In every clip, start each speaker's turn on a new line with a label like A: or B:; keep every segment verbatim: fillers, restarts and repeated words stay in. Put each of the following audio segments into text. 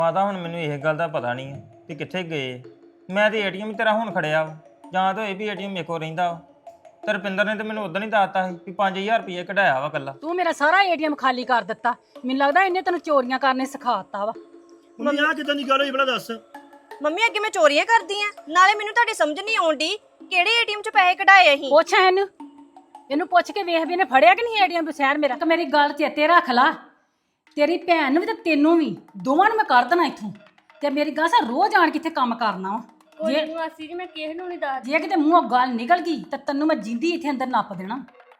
A: ਮਾਤਾ ਹੁਣ ਮੈਨੂੰ ਇਹ ਗੱਲ ਦਾ ਪਤਾ ਨਹੀਂ ਹੈ ਕਿ ਕਿੱਥੇ ਗਏ। ਮੈਂ ਤੇ ਏਟੀਐਮ ਤੇਰਾ ਹੁਣ ਖੜਿਆ ਵਾ, ਜਾਂ ਤਾਂ ਇਹ ਵੀ ਏਟੀਐਮ ਮੇਰੇ ਕੋਲ ਰਹਿੰਦਾ ਵਾ। ਤੇ ਰੁਪਿੰਦਰ ਨੇ ਤੇ ਮੈਨੂੰ ਉਦੋਂ ਹੀ ਦੱਸਤਾ ਸੀ ਕਿ ਪੰਜ ਹਜ਼ਾਰ ਰੁਪਏ ਕਢਾਇਆ ਵਾ ਕੱਲਾ।
B: ਤੂੰ ਮੇਰਾ ਸਾਰਾ ਏਟੀਐਮ ਖਾਲੀ ਕਰ ਦਿੱਤਾ। ਮੈਨੂੰ ਲੱਗਦਾ ਇਹਨੇ ਤੈਨੂੰ ਚੋਰੀਆਂ ਕਰਨੇ ਸਿਖਾਤਾ ਵਾ।
C: ਮੰਮੀ ਆ ਕਿਦਾਂ ਦੀ ਗੱਲ ਹੋਈ ਬਣਾ ਦੱਸ।
D: ਮੰਮੀ ਅੱਗੇ ਮੈਂ ਚੋਰੀਆਂ ਕਰਦੀ ਆ, ਨਾਲੇ ਮੈਨੂੰ ਤੁਹਾਡੀ ਸਮਝ ਨਹੀਂ ਆਉਂਦੀ ਕਿਹੜੇ ਏਟੀਐਮ ਚ ਪੈਸੇ ਕਢਾਏ ਅਸੀਂ।
B: ਪੁੱਛ ਇਹਨੂੰ ਇਹਨੂੰ ਪੁੱਛ ਕੇ ਵੇਖ ਵੀ ਇਹਨੇ ਫੜਿਆ ਕਿ ਨਹੀਂ ਏਟੀਐਮ ਬਸ਼ਹਿਰ ਮੇਰਾ। ਕਿ ਮੇਰੀ ਗੱਲ ਚੇਤੇ ਰੱਖ ਲਾ, ਤੇਰੀ ਭੈਣ ਨੂੰ ਵੀ ਤੇ ਤੈਨੂੰ ਵੀ ਦੋਵਾਂ ਨੂੰ ਮੈਂ ਕਰ ਦੇਣਾ ਇੱਥੋਂ। ਤੇ ਮੇਰੀ ਗੱਲ ਸਾ ਰੋਜ਼ ਆਣ ਕਿੱਥੇ ਕੰਮ ਕਰਨਾ ਵਾ।
E: ਕੋਈ ਨਹੀਂ ਮਾਸੀ ਜੀ, ਮੈਂ ਕਿਸੇ ਨੂੰ ਨਹੀਂ ਦੱਸਦੀ।
B: ਜੇ ਕਿਤੇ ਮੂੰਹੋਂ ਗੱਲ ਨਿਕਲ ਗਈ ਤਾਂ ਤੈਨੂੰ ਮੈਂ ਜਿੰਦੀ ਇੱਥੇ ਅੰਦਰ ਨੱਪ ਦੇਣਾ।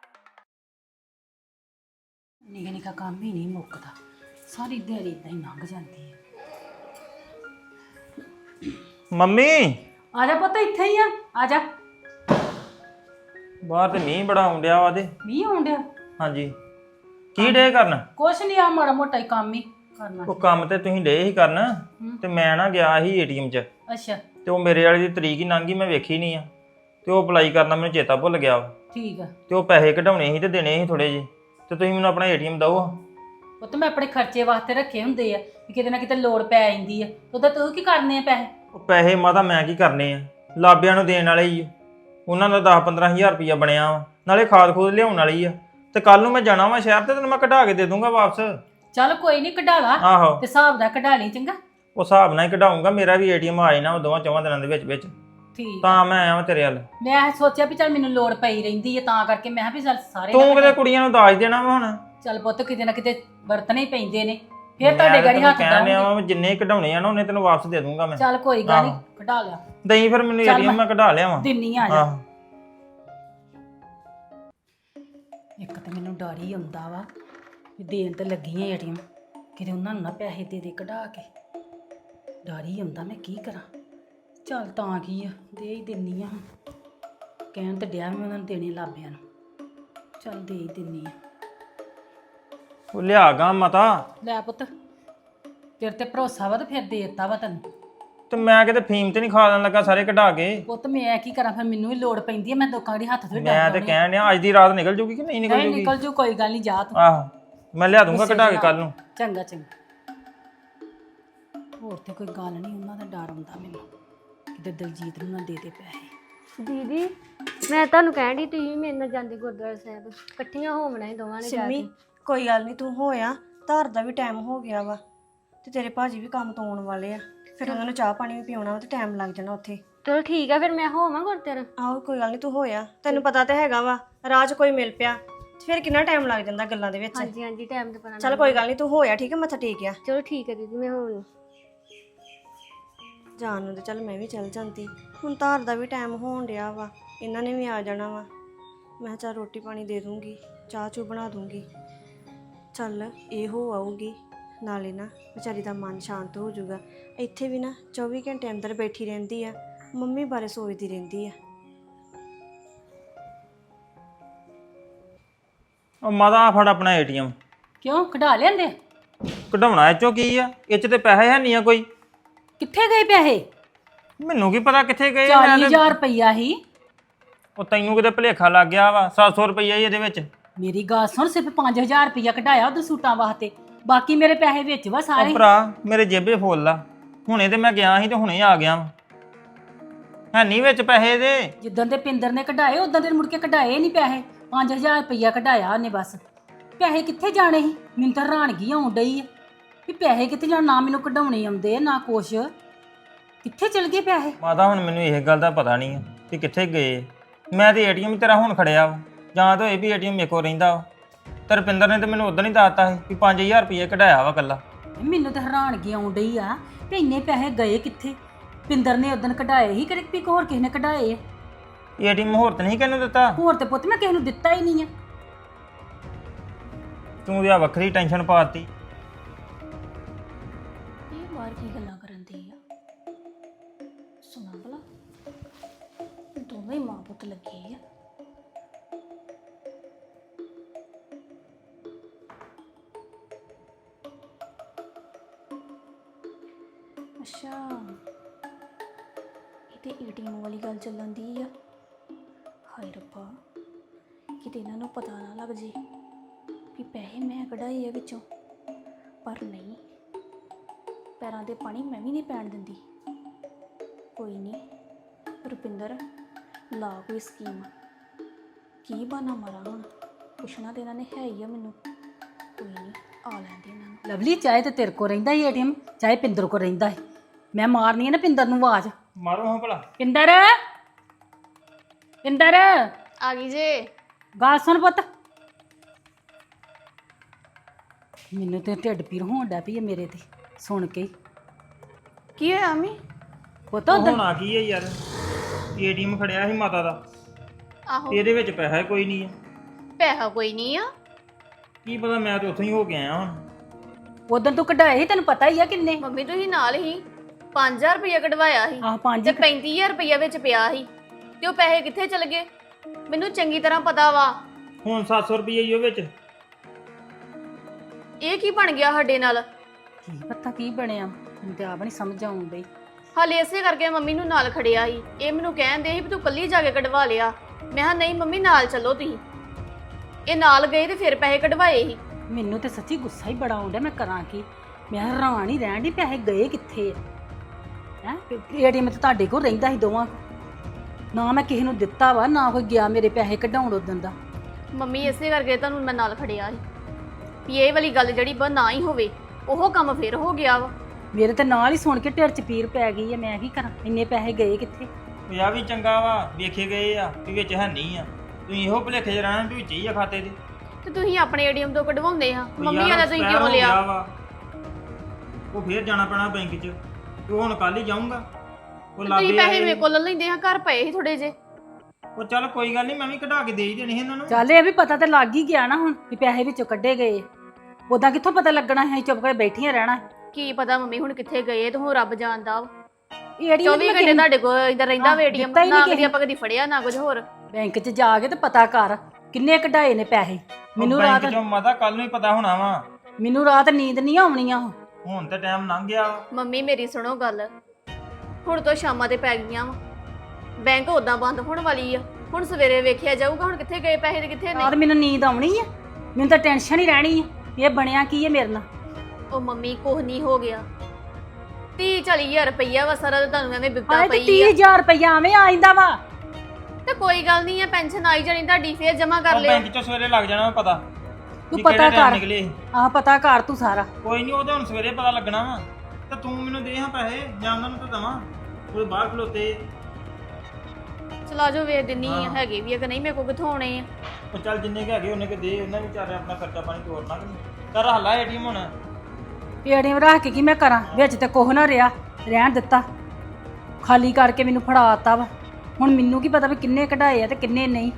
B: ਨਿੱਕਾ ਨਿੱਕਾ ਕੰਮ ਹੀ ਨਹੀਂ ਮੁੱਕਦਾ, ਸਾਰੀ ਦਿਹਾੜੀ ਇਦਾਂ ਹੀ ਲੰਘ ਜਾਂਦੀ ਹੈ।
A: ਮੰਮੀ
B: ਆ ਜਾ ਪੁੱਤ, ਇੱਥੇ ਹੀ ਆ, ਆ ਜਾ।
A: ਬਾਹਰ ਤੇ ਮੀਂਹ ਬੜਾ ਆਉਣ ਡਿਆ ਵਾ ਤੇ।
B: ਮੀਂਹ ਆਉਣ ਡਿਆ?
A: ਹਾਂਜੀ। ਕੀ ਡੇ ਕਰਨ?
B: ਕੁਛ ਨਹੀਂ, ਆ ਮਾੜਾ ਮੋਟਾ ਹੀ ਕੰਮ ਹੀ ਕਰਨਾ।
A: ਉਹ ਕੰਮ ਤੇ ਤੁਸੀਂ ਡੇ ਹੀ ਕਰਨ ਤੇ ਮੈਂ ਨਾ ਗਿਆ ਸੀ ਏਟੀਐਮ 'ਚ।
B: ਅੱਛਾ।
A: ਤੇ ਉਹ ਮੇਰੇ ਵਾਲੀ ਦੀ ਤਰੀਕ ਹੀ ਲੰਘ ਗਈ, ਮੈਂ ਵੇਖੀ ਨਹੀਂ ਆ। ਤੇ ਉਹ ਅਪਲਾਈ ਕਰਨਾ ਮੈਨੂੰ ਚੇਤਾ ਭੁੱਲ ਗਿਆ ਵਾ।
B: ਠੀਕ ਆ।
A: ਤੇ ਉਹ ਪੈਸੇ ਕਢਾਉਣੇ ਸੀ ਤੇ ਦੇਣੇ ਸੀ ਥੋੜੇ ਜਿਹੇ। ਤੇ ਤੁਸੀਂ ਮੈਨੂੰ ਆਪਣਾ ਏਟੀਐਮ ਦਿਓ।
B: ਉਹ ਤਾਂ ਮੈਂ ਆਪਣੇ ਖਰਚੇ ਵਾਸਤੇ ਰੱਖੇ ਹੁੰਦੇ ਆ ਕਿ ਕਿਤੇ ਨਾ ਕਿਤੇ ਲੋੜ ਪੈ ਜਾਂਦੀ ਆ। ਉਹਦਾ ਤੂੰ ਕੀ ਕਰਨੇ ਆ ਪੈਸੇ?
A: ਉਹ ਪੈਸੇ ਮਾਤਾ ਮੈਂ ਕੀ ਕਰਨੇ ਆ, ਲਾਬਿਆਂ ਨੂੰ ਦੇਣ ਵਾਲੇ ਹੀ ਆ। ਉਹਨਾਂ ਦਾ ਦਸ ਪੰਦਰਾਂ ਹਜ਼ਾਰ ਰੁਪਈਆ ਬਣਿਆ ਵਾ, ਨਾਲੇ ਖਾਦ ਖੂਦ ਲਿਆਉਣ ਵਾਲੀ ਆ। ਤੇ ਕੱਲ ਨੂੰ ਮੈਂ ਜਾਣਾ ਵਾ ਸ਼ਹਿਰ ਤੇ ਤੈਨੂੰ ਮੈਂ ਕਢਾ ਕੇ ਦੇ ਦੂੰਗਾ ਵਾਪਸ।
B: ਚੱਲ ਕੋਈ ਨਹੀਂ, ਕਢਾ ਲਾ।
A: ਆਹੋ,
B: ਤੇ ਹਿਸਾਬ ਦਾ ਕਢਾ ਲਈ, ਚੰਗਾ।
A: ਉਹ ਹਿਸਾਬ ਨਾਲ ਹੀ ਕਢਾਉਂਗਾ। ਮੇਰਾ ਵੀ ਏਟੀਐਮ ਆ ਜਾਣਾ ਉਹ ਦੋਵਾਂ ਚੌਵਾਂ ਦਿਨਾਂ ਦੇ ਵਿੱਚ ਵਿੱਚ।
B: ਠੀਕ।
A: ਤਾਂ ਮੈਂ ਆਇਆ ਵਾਂ ਤੇਰੇ ਵੱਲ।
B: ਮੈਂ ਸੋਚਿਆ ਵੀ ਚੱਲ ਮੈਨੂੰ ਲੋੜ ਪਈ ਰਹਿੰਦੀ ਹੈ ਤਾਂ ਕਰਕੇ ਮੈਂ ਕਿਹਾ ਵੀ ਚੱਲ ਸਾਰੇ
A: ਤੂੰ ਕਿਤੇ ਕੁੜੀਆਂ ਨੂੰ ਦਾਜ ਦੇਣਾ ਵਾ ਹੁਣ।
B: ਚੱਲ ਪੁੱਤ, ਕਿਤੇ ਨਾ ਕਿਤੇ ਵਰਤਣੇ ਹੀ ਪੈਂਦੇ ਨੇ। ਫਿਰ ਤੁਹਾਡੇ ਗਾੜੀ ਹੱਥ
A: ਕਹਿਣੇ
B: ਦਾ।
A: ਆ ਜਿੰਨੇ ਕਢਾਉਣੇ ਆ ਨਾ ਉਹਨੇ ਤੈਨੂੰ ਵਾਪਸ ਦੇ ਦੂੰਗਾ ਮੈਂ।
B: ਚੱਲ ਕੋਈ ਗੱਲ ਨਹੀਂ, ਕਢਾ ਲਿਆ।
A: ਦਈ ਫਿਰ ਮੈਨੂੰ ਏਟੀਐਮ ਮੈਂ ਕਢਾ ਲਿਆ ਵਾਂ।
B: ਦਿੰਨੀ ਆ ਜਾ।
A: ਆਹੋ।
B: ਇੱਕ ਤਾਂ ਮੈਨੂੰ ਡਰ ਹੀ ਆਉਂਦਾ ਵਾ ਵੀ ਦੇਣ ਤੇ ਲੱਗੀ ਆ ਏਟੀਐਮ, ਕਿਤੇ ਉਹਨਾਂ ਨੂੰ ਨਾ ਪੈਸੇ ਦੇ ਦੇ ਕਢਾ ਕੇ। ਡਰ ਹੀ ਆਉਂਦਾ, ਮੈਂ ਕੀ ਕਰਾਂ। ਚੱਲ ਤਾਂ ਕੀ ਆ, ਦੇ ਹੀ ਦਿੰਨੀ ਆ। ਕਹਿਣ ਤੇ ਡਿਆ ਮੈਂ ਉਹਨਾਂ ਨੂੰ ਦੇਣੇ ਲਾਬਿਆਂ ਨੂੰ। ਚੱਲ ਦੇ ਹੀ ਦਿੰਨੀ ਆ।
A: ਉਹ ਲਿਆਗਾ ਮਤਾ।
B: ਲੈ ਪੁੱਤ, ਤੇਰੇ ਤੇ ਭਰੋਸਾ ਵਾ ਤੇ ਫਿਰ ਦੇ ਦਿੱਤਾ ਵਾ ਤੈਨੂੰ।
A: ਤੇ ਮੈਂ ਕਿਤੇ ਫੀਮ ਤੇ ਨਹੀਂ ਖਾ ਦੇਣ ਲੱਗਾ ਸਾਰੇ ਕਢਾ ਕੇ।
B: ਪੁੱਤ ਮੈਂ ਕੀ ਕਰਾਂ, ਫਿਰ ਮੈਨੂੰ ਵੀ ਲੋੜ ਪੈਂਦੀ ਹੈ। ਮੈਂ ਲੋਕਾਂ ਦੇ ਹੱਥ ਥੋੜੀ
A: ਮੈਂ ਤੇ ਕਹਿਣ ਡਿਆ ਅੱਜ ਦੀ ਰਾਤ ਨਿਕਲ ਜੂਗੀ ਕਿ ਨਹੀਂ ਨਿਕਲ
B: ਨਹੀਂ
A: ਜੂਗੀ।
B: ਨਿਕਲ ਜੂ, ਕੋਈ ਗੱਲ ਨਹੀਂ, ਜਾ ਤੂੰ।
A: ਆਹੋ, ਮੈਂ ਲਿਆ ਦੂੰਗਾ ਕਢਾ ਕੇ ਕੱਲ ਨੂੰ।
B: ਚੰਗਾ ਚੰਗਾ। ਹੋਰ ਤੇ ਕੋਈ ਗੱਲ ਨਹੀਂ, ਉਹਨਾਂ ਦਾ ਡਰ ਆਉਂਦਾ ਮੈਨੂੰ ਕਿਤੇ ਦਲਜੀਤ ਨੂੰ ਨਾ ਦੇ ਦੇ ਪੈਸੇ।
E: ਦੀਦੀ ਮੈਂ ਤੁਹਾਨੂੰ ਕਹਿਣ ਡਈ ਤੁਸੀਂ ਵੀ ਮੇਰੇ ਨਾਲ ਜਾਂਦੇ ਗੁਰਦੁਆਰਾ ਸਾਹਿਬ, ਇਕੱਠੀਆਂ ਹੋਵਣਾ ਹੀ ਦੋਵਾਂ ਨੇ ਜਾ
D: ਸਿੰਮੀ
E: ਕੇ।
D: ਕੋਈ ਗੱਲ ਨਹੀਂ, ਤੂੰ ਹੋਇਆ ਧਾਰ ਦਾ ਵੀ ਟਾਈਮ ਹੋ ਗਿਆ ਵਾ ਤੇ ਤੇਰੇ ਭਾਜੀ ਵੀ ਕੰਮ ਤੋਂ ਆਉਣ ਵਾਲੇ ਆ। ਫਿਰ ਉਹਨਾਂ ਨੂੰ ਚਾਹ ਪਾਣੀ ਵੀ ਪਿਉਣਾ ਵਾ ਤੇ ਟਾਈਮ ਲੱਗ ਜਾਣਾ ਉੱਥੇ।
E: ਚਲੋ ਠੀਕ ਆ, ਫਿਰ ਮੈਂ ਹੋਵਾਂ ਗੁਰਦੁਆਰਾ।
D: ਆਹੋ ਕੋਈ ਗੱਲ ਨਹੀਂ, ਤੂੰ ਹੋਇਆ। ਤੈਨੂੰ ਪਤਾ ਤੇ ਹੈਗਾ ਵਾ ਰਾਹ 'ਚ ਕੋਈ ਮਿਲ ਪਿਆ ਤੇ ਫਿਰ ਕਿੰਨਾ ਟਾਈਮ ਲੱਗ ਜਾਂਦਾ ਗੱਲਾਂ ਦੇ ਵਿੱਚ।
E: ਹਾਂਜੀ ਹਾਂਜੀ, ਟਾਈਮ ਤੇ ਪਤਾ
D: ਚੱਲ ਕੋਈ ਗੱਲ ਨਹੀਂ, ਤੂੰ ਹੋਇਆ ਠੀਕ ਹੈ, ਮੱਥਾ ਟੇਕ ਆ।
E: ਚਲੋ ਠੀਕ ਹੈ ਦੀਦੀ, ਮੈਂ ਹੋਣੀ।
D: ਜਾਣ ਨੂੰ ਤੇ ਚੱਲ ਮੈਂ ਵੀ ਚੱਲ ਜਾਂਦੀ, ਹੁਣ ਧਾਰ ਦਾ ਵੀ ਟਾਈਮ ਹੋਣ ਡਿਆ ਵਾ, ਇਹਨਾਂ ਨੇ ਵੀ ਆ ਜਾਣਾ ਵਾ। ਮੈਂ ਚੱਲ ਰੋਟੀ ਪਾਣੀ ਦੇ ਦੂੰਗੀ, ਚਾਹ ਚੂ ਬਣਾ ਦੂੰਗੀ। ਚੱਲ ਇਹ ਹੋ ਆਊਗੀ, ਨਾਲੇ ਨਾ ਵਿਚਾਰੀ ਦਾ ਮਨ ਸ਼ਾਂਤ ਹੋ ਜਾਊਗਾ। ਇੱਥੇ ਵੀ ਨਾ ਚੌਵੀ ਘੰਟੇ ਅੰਦਰ ਬੈਠੀ ਰਹਿੰਦੀ ਆ, ਮੰਮੀ ਬਾਰੇ ਸੋਚਦੀ ਰਹਿੰਦੀ ਆ।
A: ਉਹ ਮਾਤਾ ਫੜ ਆਪਣਾ ਏਟੀਐਮ।
B: ਕਿਉਂ ਕਢਾ ਲੈਂਦੇ?
A: ਕਢਾਉਣਾ ਇਹ ਚੋਂ ਕੀ ਆ, ਇਹ 'ਚ ਤੇ ਪੈਸੇ ਹੈ ਨਹੀਂ ਆ ਕੋਈ।
B: ਕਿੱਥੇ ਗਏ ਪੈਸੇ?
A: ਮੈਨੂੰ ਕੀ ਪਤਾ ਕਿੱਥੇ ਗਏ।
B: ਚਾਲੀ ਹਜ਼ਾਰ ਰੁਪਈਆ ਹੀ।
A: ਉਹ ਤੈਨੂੰ ਕਿਤੇ ਭੁਲੇਖਾ ਲੱਗ ਗਿਆ ਵਾ, ਸੱਤ ਸੌ ਰੁਪਈਆ ਹੀ ਇਹਦੇ ਵਿੱਚ।
B: ਮੇਰੀ ਗੱਲ ਸੁਣ, ਸਿਰਫ ਪੰਜ ਹਜ਼ਾਰ ਰੁਪਈਆ ਕਢਾਇਆ ਉਹਦੇ ਸੂਟਾਂ ਵਾਸਤੇ, ਬਾਕੀ ਮੇਰੇ ਪੈਸੇ ਵਿੱਚ ਵਾ ਸਾਰੇ।
A: ਉਹ ਭਰਾ ਮੇਰੇ ਜੇਬੇ ਫੁੱਲ ਆ, ਹੁਣੇ ਤੇ ਮੈਂ ਗਿਆ ਸੀ ਤੇ ਹੁਣੇ ਆ ਗਿਆ ਵਾਂ। ਹੈ ਨਹੀਂ ਵਿੱਚ ਪੈਸੇ ਦੇ।
B: ਜਿੱਦਣ ਦੇ ਪਿੰਦਰ ਨੇ ਕਢਾਏ ਉਦੋਂ ਦੇ ਮੁੜ ਕੇ ਕਢਾਏ ਨਹੀਂ ਪੈਸੇ। ਪੰਜ ਹਜ਼ਾਰ ਰੁਪਈਆ ਕਢਾਇਆ ਉਹਨੇ ਬਸ। ਪੈਸੇ ਕਿੱਥੇ ਜਾਣੇ ਸੀ? ਮੈਨੂੰ ਤਾਂ ਹੈਰਾਨਗੀ ਆਉਣ ਡਈ ਆ ਵੀ ਪੈਸੇ ਕਿੱਥੇ ਜਾਣ। ਨਾ ਮੈਨੂੰ ਕਢਾਉਣੇ ਆਉਂਦੇ ਨਾ ਕੁਛ, ਕਿੱਥੇ ਚਲ ਗਏ ਪੈਸੇ?
A: ਮਾਤਾ ਹੁਣ ਮੈਨੂੰ ਇਹ ਗੱਲ ਦਾ ਪਤਾ ਨਹੀਂ ਆ ਕਿ ਕਿੱਥੇ ਗਏ। ਮੈਂ ਤੇ ਏਟੀਐਮ ਤੇਰਾ ਹੁਣ ਖੜਿਆ ਵਾ, ਜਾਂ ਤਾਂ ਇਹ ਵੀ ਏਟੀਐਮ ਮੇਰੇ ਕੋਲ ਰਹਿੰਦਾ ਵਾ। ਤੇ ਰੁਪਿੰਦਰ ਨੇ ਤੇ ਮੈਨੂੰ ਉਦੋਂ ਹੀ ਦੱਸਤਾ ਸੀ ਕਿ ਪੰਜ ਹਜ਼ਾਰ ਰੁਪਏ ਕਢਾਇਆ ਵਾ ਕੱਲਾ।
B: ਮੈਨੂੰ ਤਾਂ ਹੈਰਾਨਗੀ ਆਉਣ ਡਈ ਆ ਵੀ ਇੰਨੇ ਪੈਸੇ ਗਏ ਕਿੱਥੇ। ਪਿੰਦਰ ਨੇ ਉਦੋਂ ਕਢਾਏ ਹੀ, ਕਿਹੜੇ ਵੀ ਹੋਰ ਕਿਸੇ ਨੇ ਕਢਾਏ ਆ?
A: ਏਟੀਐਮ ਹੋਰ ਤੇ ਨਹੀਂ ਕਿਹਨੂੰ ਦਿੱਤਾ?
B: ਹੋਰ ਤੇ ਪੁੱਤ ਮੈਂ ਕਿਸੇ ਨੂੰ ਦਿੱਤਾ ਹੀ ਨਹੀਂ ਆ।
A: ਤੂੰ ਤਾਂ ਵੱਖਰੀ ਟੈਨਸ਼ਨ ਪਾਤੀ।
B: ਇਹ ਬਾਹਰ ਕੀ ਗੱਲਾਂ ਕਰਨ ਦੀ ਆ? ਸੁਣਾ ਭਲਾ, ਦੋਵੇਂ ਮਾਂ ਪੁੱਤ ਲੱਗੇ ਆ। ਅੱਛਾ, ਇਹ ਤੇ ਏਟੀਐਮ ਵਾਲੀ ਗੱਲ ਚੱਲਣ ਦੀ ਆ। ਹਾਏ ਰੱਬਾ, ਕਿਤੇ ਇਹਨਾਂ ਨੂੰ ਪਤਾ ਨਾ ਲੱਗ ਜੇ ਵੀ ਪੈਸੇ ਮੈਂ ਕਢਾਏ ਆ ਵਿੱਚੋਂ। ਪਰ ਨਹੀਂ,
F: ਪੈਰਾਂ ਤੇ ਪਾਣੀ ਮੈਂ ਵੀ ਨਹੀਂ ਪੈਣ ਦਿੰਦੀ। ਕੋਈ ਨਹੀਂ ਰੁਪਿੰਦਰ, ਲਾ ਕੋਈ ਸਕੀਮ। ਕੀ ਬਹਾਨਾ ਮਾਰਾਂ ਹੁਣ? ਪੁੱਛਣਾ ਤੇ ਇਹਨਾਂ ਨੇ ਹੈ ਹੀ ਆ ਮੈਨੂੰ। ਕੋਈ ਨਹੀਂ, ਆ ਲੈਂਦੇ ਇਹਨਾਂ ਨੂੰ।
B: ਲਵਲੀ, ਚਾਹੇ ਤੇ ਤੇਰੇ ਕੋ ਰਹਿੰਦਾ ਹੀ ਏਟੀਐਮ, ਚਾਹੇ ਪਿੰਦਰ ਕੋ ਰਹਿੰਦਾ ਹੈ। ਮੈਂ ਮਾਰਨੀ ਹੈ ਨਾ ਪਿੰਦਰ ਨੂੰ ਆਵਾਜ਼।
A: ਮਾਰੋ ਹਾਂ ਭਲਾ।
B: ਪਿੰਦਰ, ਪਿੰਦਰ
F: ਆ ਗਈ ਜੇ।
B: ਗੱਲ ਸੁਣ ਪੁੱਤ। ਮੈਨੂੰ ਤੇ ਢਿੱਡ ਪੀੜ ਹੋਣ ਡਿਆ ਪਈ ਹੈ ਮੇਰੇ ਤੇ ਸੁਣ ਕੇ ਹੀ।
F: ਕੀ ਹੋਇਆ ਮੰਮੀ?
B: ਪੁੱਤ ਉਧਰ
A: ਹੁਣ ਆ ਕੀ ਹੈ ਯਾਰ, ਏਟੀਐਮ ਖੜਿਆ ਸੀ ਮਾਤਾ ਦਾ,
F: ਆਹੋ,
A: ਇਹਦੇ ਵਿੱਚ ਪੈਸਾ ਕੋਈ ਨਹੀਂ ਆ।
F: ਪੈਸਾ ਕੋਈ ਨਹੀਂ ਆ।
A: ਕੀ ਪਤਾ, ਮੈਂ ਤਾਂ ਉੱਥੋਂ ਹੀ ਹੋ ਕੇ ਆਇਆ ਹੁਣ।
B: ਉਦੋਂ ਤੂੰ ਕਢਾਏ ਸੀ, ਤੈਨੂੰ ਪਤਾ ਹੀ ਆ ਕਿੰਨੇ।
F: ਮੰਮੀ ਤੁਸੀਂ ਨਾਲ ਹੀ ਪੰਜ ਹਜ਼ਾਰ ਰੁਪਇਆ ਕਢਵਾਇਆ ਸੀ
B: ਆਹ ਪੰਜ
F: ਤੇ ਪੈਂਤੀ ਹਜ਼ਾਰ ਰੁਪਇਆ ਵਿੱਚ ਪਿਆ ਸੀ, ਤੇ ਉਹ ਪੈਸੇ ਕਿੱਥੇ ਚਲ ਗਏ? ਮੈਨੂੰ ਚੰਗੀ ਤਰ੍ਹਾਂ ਪਤਾ ਵਾ।
A: ਹੁਣ ਸੱਤ ਸੌ ਰੁਪਏ ਹੀ ਉਹ ਵਿੱਚ।
F: ਇਹ ਕੀ ਬਣ ਗਿਆ ਸਾਡੇ ਨਾਲ?
B: ਕੀ ਪਤਾ ਕੀ ਬਣਿਆ, ਮੈਨੂੰ ਤੇ ਆਪ ਨਹੀਂ ਸਮਝ ਆਉਣ ਡਈ।
F: ਹਾਲੇ ਇਸੇ ਕਰਕੇ ਮੰਮੀ ਨੂੰ ਨਾਲ ਖੜਿਆ ਸੀ। ਇਹ ਮੈਨੂੰ ਕਹਿੰਦੇ ਸੀ ਵੀ ਤੂੰ ਕੱਲੀ ਜਾ ਕੇ ਕਢਵਾ ਲਿਆ। ਮੈਂ ਕਿਹਾ ਨਹੀਂ ਮੰਮੀ, ਨਾਲ ਚੱਲੋ ਤੁਸੀਂ। ਇਹ ਨਾਲ ਗਏ ਤੇ ਫਿਰ ਪੈਸੇ ਕਢਵਾਏ ਸੀ।
B: ਮੈਨੂੰ ਤੇ ਸੱਚੀ ਗੁੱਸਾ ਹੀ ਬੜਾ ਆਉਂਦਾ, ਮੈਂ ਕਰਾਂ ਕੀ? ਮੈਂ ਹੈਰਾਨ ਹੀ ਰਹਿਣ ਦੀ, ਪੈਸੇ ਗਏ ਕਿੱਥੇ ਹੈ? ਏਟੀਐਮ ਤੇ ਤੁਹਾਡੇ ਕੋਲ ਰਹਿੰਦਾ ਸੀ ਦੋਵਾਂ ਕੋਲ। ਨਾ ਮੈਂ ਕਿਸੇ ਨੂੰ ਦਿੱਤਾ ਵਾ, ਨਾ ਕੋਈ ਗਿਆ ਮੇਰੇ ਪੈਸੇ ਕਢਾਉਣ ਉਦੋਂ ਦਾ।
F: ਮੰਮੀ ਇਸੇ ਕਰਕੇ ਤੁਹਾਨੂੰ ਮੈਂ ਨਾਲ ਖੜਿਆ ਸੀ ਵੀ ਇਹ ਵਾਲੀ ਗੱਲ ਜਿਹੜੀ ਬਸ ਨਾ ਹੀ ਹੋਵੇ। ਉਹ ਕੰਮ ਫੇਰ ਹੋ ਗਿਆ ਵਾ।
B: ਮੇਰੇ ਤੇ ਨਾਲ ਹੀ ਸੁਣ ਕੇ ਢਿੱਡ 'ਚ ਪੀਰ ਪੈ ਗਈ ਹੈ। ਮੈਂ ਕੀ ਕਰਾਂ? ਇੰਨੇ ਪੈਸੇ ਗਏ ਕਿੱਥੇ?
A: ਉਹ ਆ ਵੀ ਚੰਗਾ ਵਾ, ਵੇਖੇ ਗਏ ਆ ਵੀ ਵਿੱਚ ਹੈ ਨਹੀਂ ਆ। ਤੁਸੀਂ ਇਹੋ ਭੁਲੇਖੇ 'ਚ ਰਹਿਣਾ ਵੀ ਵਿੱਚ ਹੀ ਆ ਖਾਤੇ ਦੇ।
F: ਤੇ ਤੁਸੀਂ ਆਪਣੇ ਏਟੀਐਮ ਤੋਂ ਕਢਵਾਉਂਦੇ ਆ,
A: ਉਹ
F: ਮੰਮੀ
A: ਯਾਰ
F: ਵਾਲਾ ਤੁਸੀਂ
A: expire
F: ਕਿਉਂ
A: ਹੋ
F: ਲਿਆ?
A: ਗਿਆ ਵਾ। ਉਹ ਫੇਰ ਜਾਣਾ ਪੈਣਾ ਬੈਂਕ 'ਚ, ਤੇ ਹੁਣ ਕੱਲ ਹੀ ਜਾਊਂਗਾ। ਉਹ ਲਾਗੇ
F: ਤੁਸੀਂ ਪੈਸੇ
A: ਆਏ।
F: ਮੇਰੇ ਕੋਲ ਲੈ ਲੈਂਦੇ ਆ, ਘਰ ਪਏ ਸੀ ਥੋੜੇ ਜੇ।
A: ਉਹ ਚੱਲ ਕੋਈ ਗੱਲ ਨਹੀਂ, ਮੈਂ ਵੀ ਕਢਾ ਕੇ ਦੇ ਹੀ ਦੇਣੇ ਸੀ ਇਹਨਾਂ ਨੂੰ।
B: ਚੱਲ ਇਹ ਵੀ ਪਤਾ ਤੇ ਲੱਗ ਹੀ ਗਿਆ ਨਾ ਹੁਣ ਵੀ ਪੈਸੇ ਵਿੱਚੋਂ ਕੱਢੇ ਗਏ। ਉਦਾਂ ਕਿੱਥੋਂ ਪਤਾ ਲੱਗਣਾ ਹੈ? ਚੁੱਪ ਕਰਕੇ ਬੈਠੀਆਂ ਰਹਿਣਾ।
F: ਕੀ ਪਤਾ ਮੰਮੀ ਹੁਣ ਕਿੱਥੇ ਗਏ, ਤੇ ਹੁਣ ਰੱਬ ਜਾਣਦਾ ਵਾ।
B: ਏਟੀਐਮ
F: ਚੌਵੀ ਘੰਟੇ ਤੁਹਾਡੇ ਕੋਲ ਇੱਧਰ ਰਹਿੰਦਾ ਵਾ ਏਟੀਐਮ।
B: ਦਿੱਤਾ ਹੀ ਨੀ
F: ਨਾ
B: ਕਿਸੇ
F: ਕਦੀ ਆਪਾਂ ਕਦੀ ਫੜਿਆ, ਨਾ ਕੁਝ ਹੋਰ।
B: ਬੈਂਕ 'ਚ ਜਾ ਕੇ ਤੇ ਪਤਾ ਕਰ ਕਿੰਨੇ ਕਢਾਏ ਨੇ ਪੈਸੇ। ਮੈਨੂੰ
A: ਉਹ
B: ਰਾਤ
A: ਬੈਂਕ 'ਚੋਂ ਮਾਤਾ ਕੱਲ ਨੂੰ ਹੀ ਪਤਾ ਹੋਣਾ ਵਾ।
B: ਮੈਨੂੰ ਰਾਤ ਨੀਂਦ ਨਹੀਂ ਆਉਣੀ ਆ।
A: ਹੁਣ ਤੇ ਟਾਈਮ ਲੰਘ ਗਿਆ ਵਾ।
F: ਮੰਮੀ ਮੇਰੀ ਸੁਣੋ ਗੱਲ, ਹੁਣ ਤੋਂ ਸ਼ਾਮਾਂ ਤੇ ਪੈ ਗਈਆਂ ਵਾ। ਬੈਂਕ ਉਦਾਂ ਬੰਦ ਹੋਣ ਵਾਲੀ ਆ। ਹੁਣ ਸਵੇਰੇ ਵੇਖਿਆ ਜਾਊਗਾ ਹੁਣ ਕਿੱਥੇ ਗਏ ਪੈਸੇ ਤੇ ਕਿੱਥੇ
B: ਰਾਤ
F: ਨਹੀਂ।
B: ਮੈਨੂੰ ਨੀਂਦ ਆਉਣੀ ਆ। ਮੈਨੂੰ ਤਾਂ ਟੈਨਸ਼ਨ ਹੀ ਰਹਿਣੀ ਆ ਇਹ ਬਣਿਆ ਕੀ ਹੈ ਮੇਰੇ ਨਾਲ।
F: ਉਹ ਮੰਮੀ ਕੁਛ ਨਹੀਂ ਹੋ ਗਿਆ। ਤੀਹ ਚਾਲੀ ਹਜ਼ਾਰ ਰੁਪਈਆ ਵਾ ਸਾਰਾ, ਤੁਹਾਨੂੰ ਐਵੇਂ ਬਿਪਤਾ
B: ਹਾਏ ਤੇ
F: ਪਈ
B: ਤੀਹ
F: ਆ।
B: ਹਜ਼ਾਰ ਰੁਪਇਆ ਐਵੇਂ ਆ ਜਾਂਦਾ ਵਾ।
F: ਤੇ ਕੋਈ ਗੱਲ ਨਹੀਂ ਆ, ਪੈਨਸ਼ਨ ਆਈ ਜਾਣੀ ਤੁਹਾਡੀ, ਫੇਰ ਜਮਾ ਕਰ
A: ਉਹ
F: ਲਿਓ।
A: ਬੈਂਕ 'ਚੋਂ ਸਵੇਰੇ ਲੱਗ ਜਾਣਾ ਵਾ ਪਤਾ।
B: ਤੂੰ
A: ਵੀ
B: ਪਤਾ
A: ਕਿਹੜੇ time
B: ਕਰ।
A: ਨਿਕਲੇ।
B: ਆਹ ਪਤਾ ਕਰ ਤੂੰ ਸਾਰਾ।
A: ਕੋਈ ਨਹੀਂ, ਉਹ ਤਾਂ ਹੁਣ ਸਵੇਰੇ ਪਤਾ ਲੱਗਣਾ ਵਾ। ਤੇ ਤੂੰ ਮੈਨੂੰ ਦੇ ਹਾਂ ਪੈਸੇ, ਜਾਂ ਉਹਨਾਂ ਨੂੰ ਤਾਂ ਦਵਾਂ। ਉਹ ਬਾਹਰ ਖਲੋਤੇ।
F: ਚਲਾ ਜੋ ਵੇਚ ਦਿੰਨੀ ਆ,
A: ਹਾਂ।
F: ਹੈਗੇ ਵੀ ਆ ਕਿ ਨਹੀਂ, ਮੇਰੇ ਕੋਲ ਕਿੱਥੋਂ ਆਉਣੇ ਆ।
A: ਉਹ ਚੱਲ ਜਿੰਨੇ ਕੁ ਹੈਗੇ ਉਹਨੇ ਕਿ ਦੇ, ਉਹਨਾਂ ਵਿਚਾਰੇ ਆਪਣਾ ਖਰਚਾ ਪਾਣੀ ਤੋਰਨਾ ਕਿ ਨਹੀਂ। ਕਰ ਹੱਲਾ ਏਟੀਐਮ ਹੁਣ।
B: ਏਟੀਐਮ ਰੱਖ ਕੇ ਕੀ ਮੈਂ ਕਰਾਂ? ਵਿੱਚ ਤੇ ਕੁਛ ਨਾ ਰਿਹਾ, ਰਹਿਣ ਦਿੱਤਾ। ਖਾਲੀ ਕਰਕੇ ਮੈਨੂੰ ਫੜਾਤਾ ਵਾ। ਹੁਣ ਮੈਨੂੰ ਕੀ ਪਤਾ ਵੀ ਕਿੰਨੇ ਕਢਾਏ ਆ ਤੇ ਕਿੰਨੇ ਨਹੀਂ।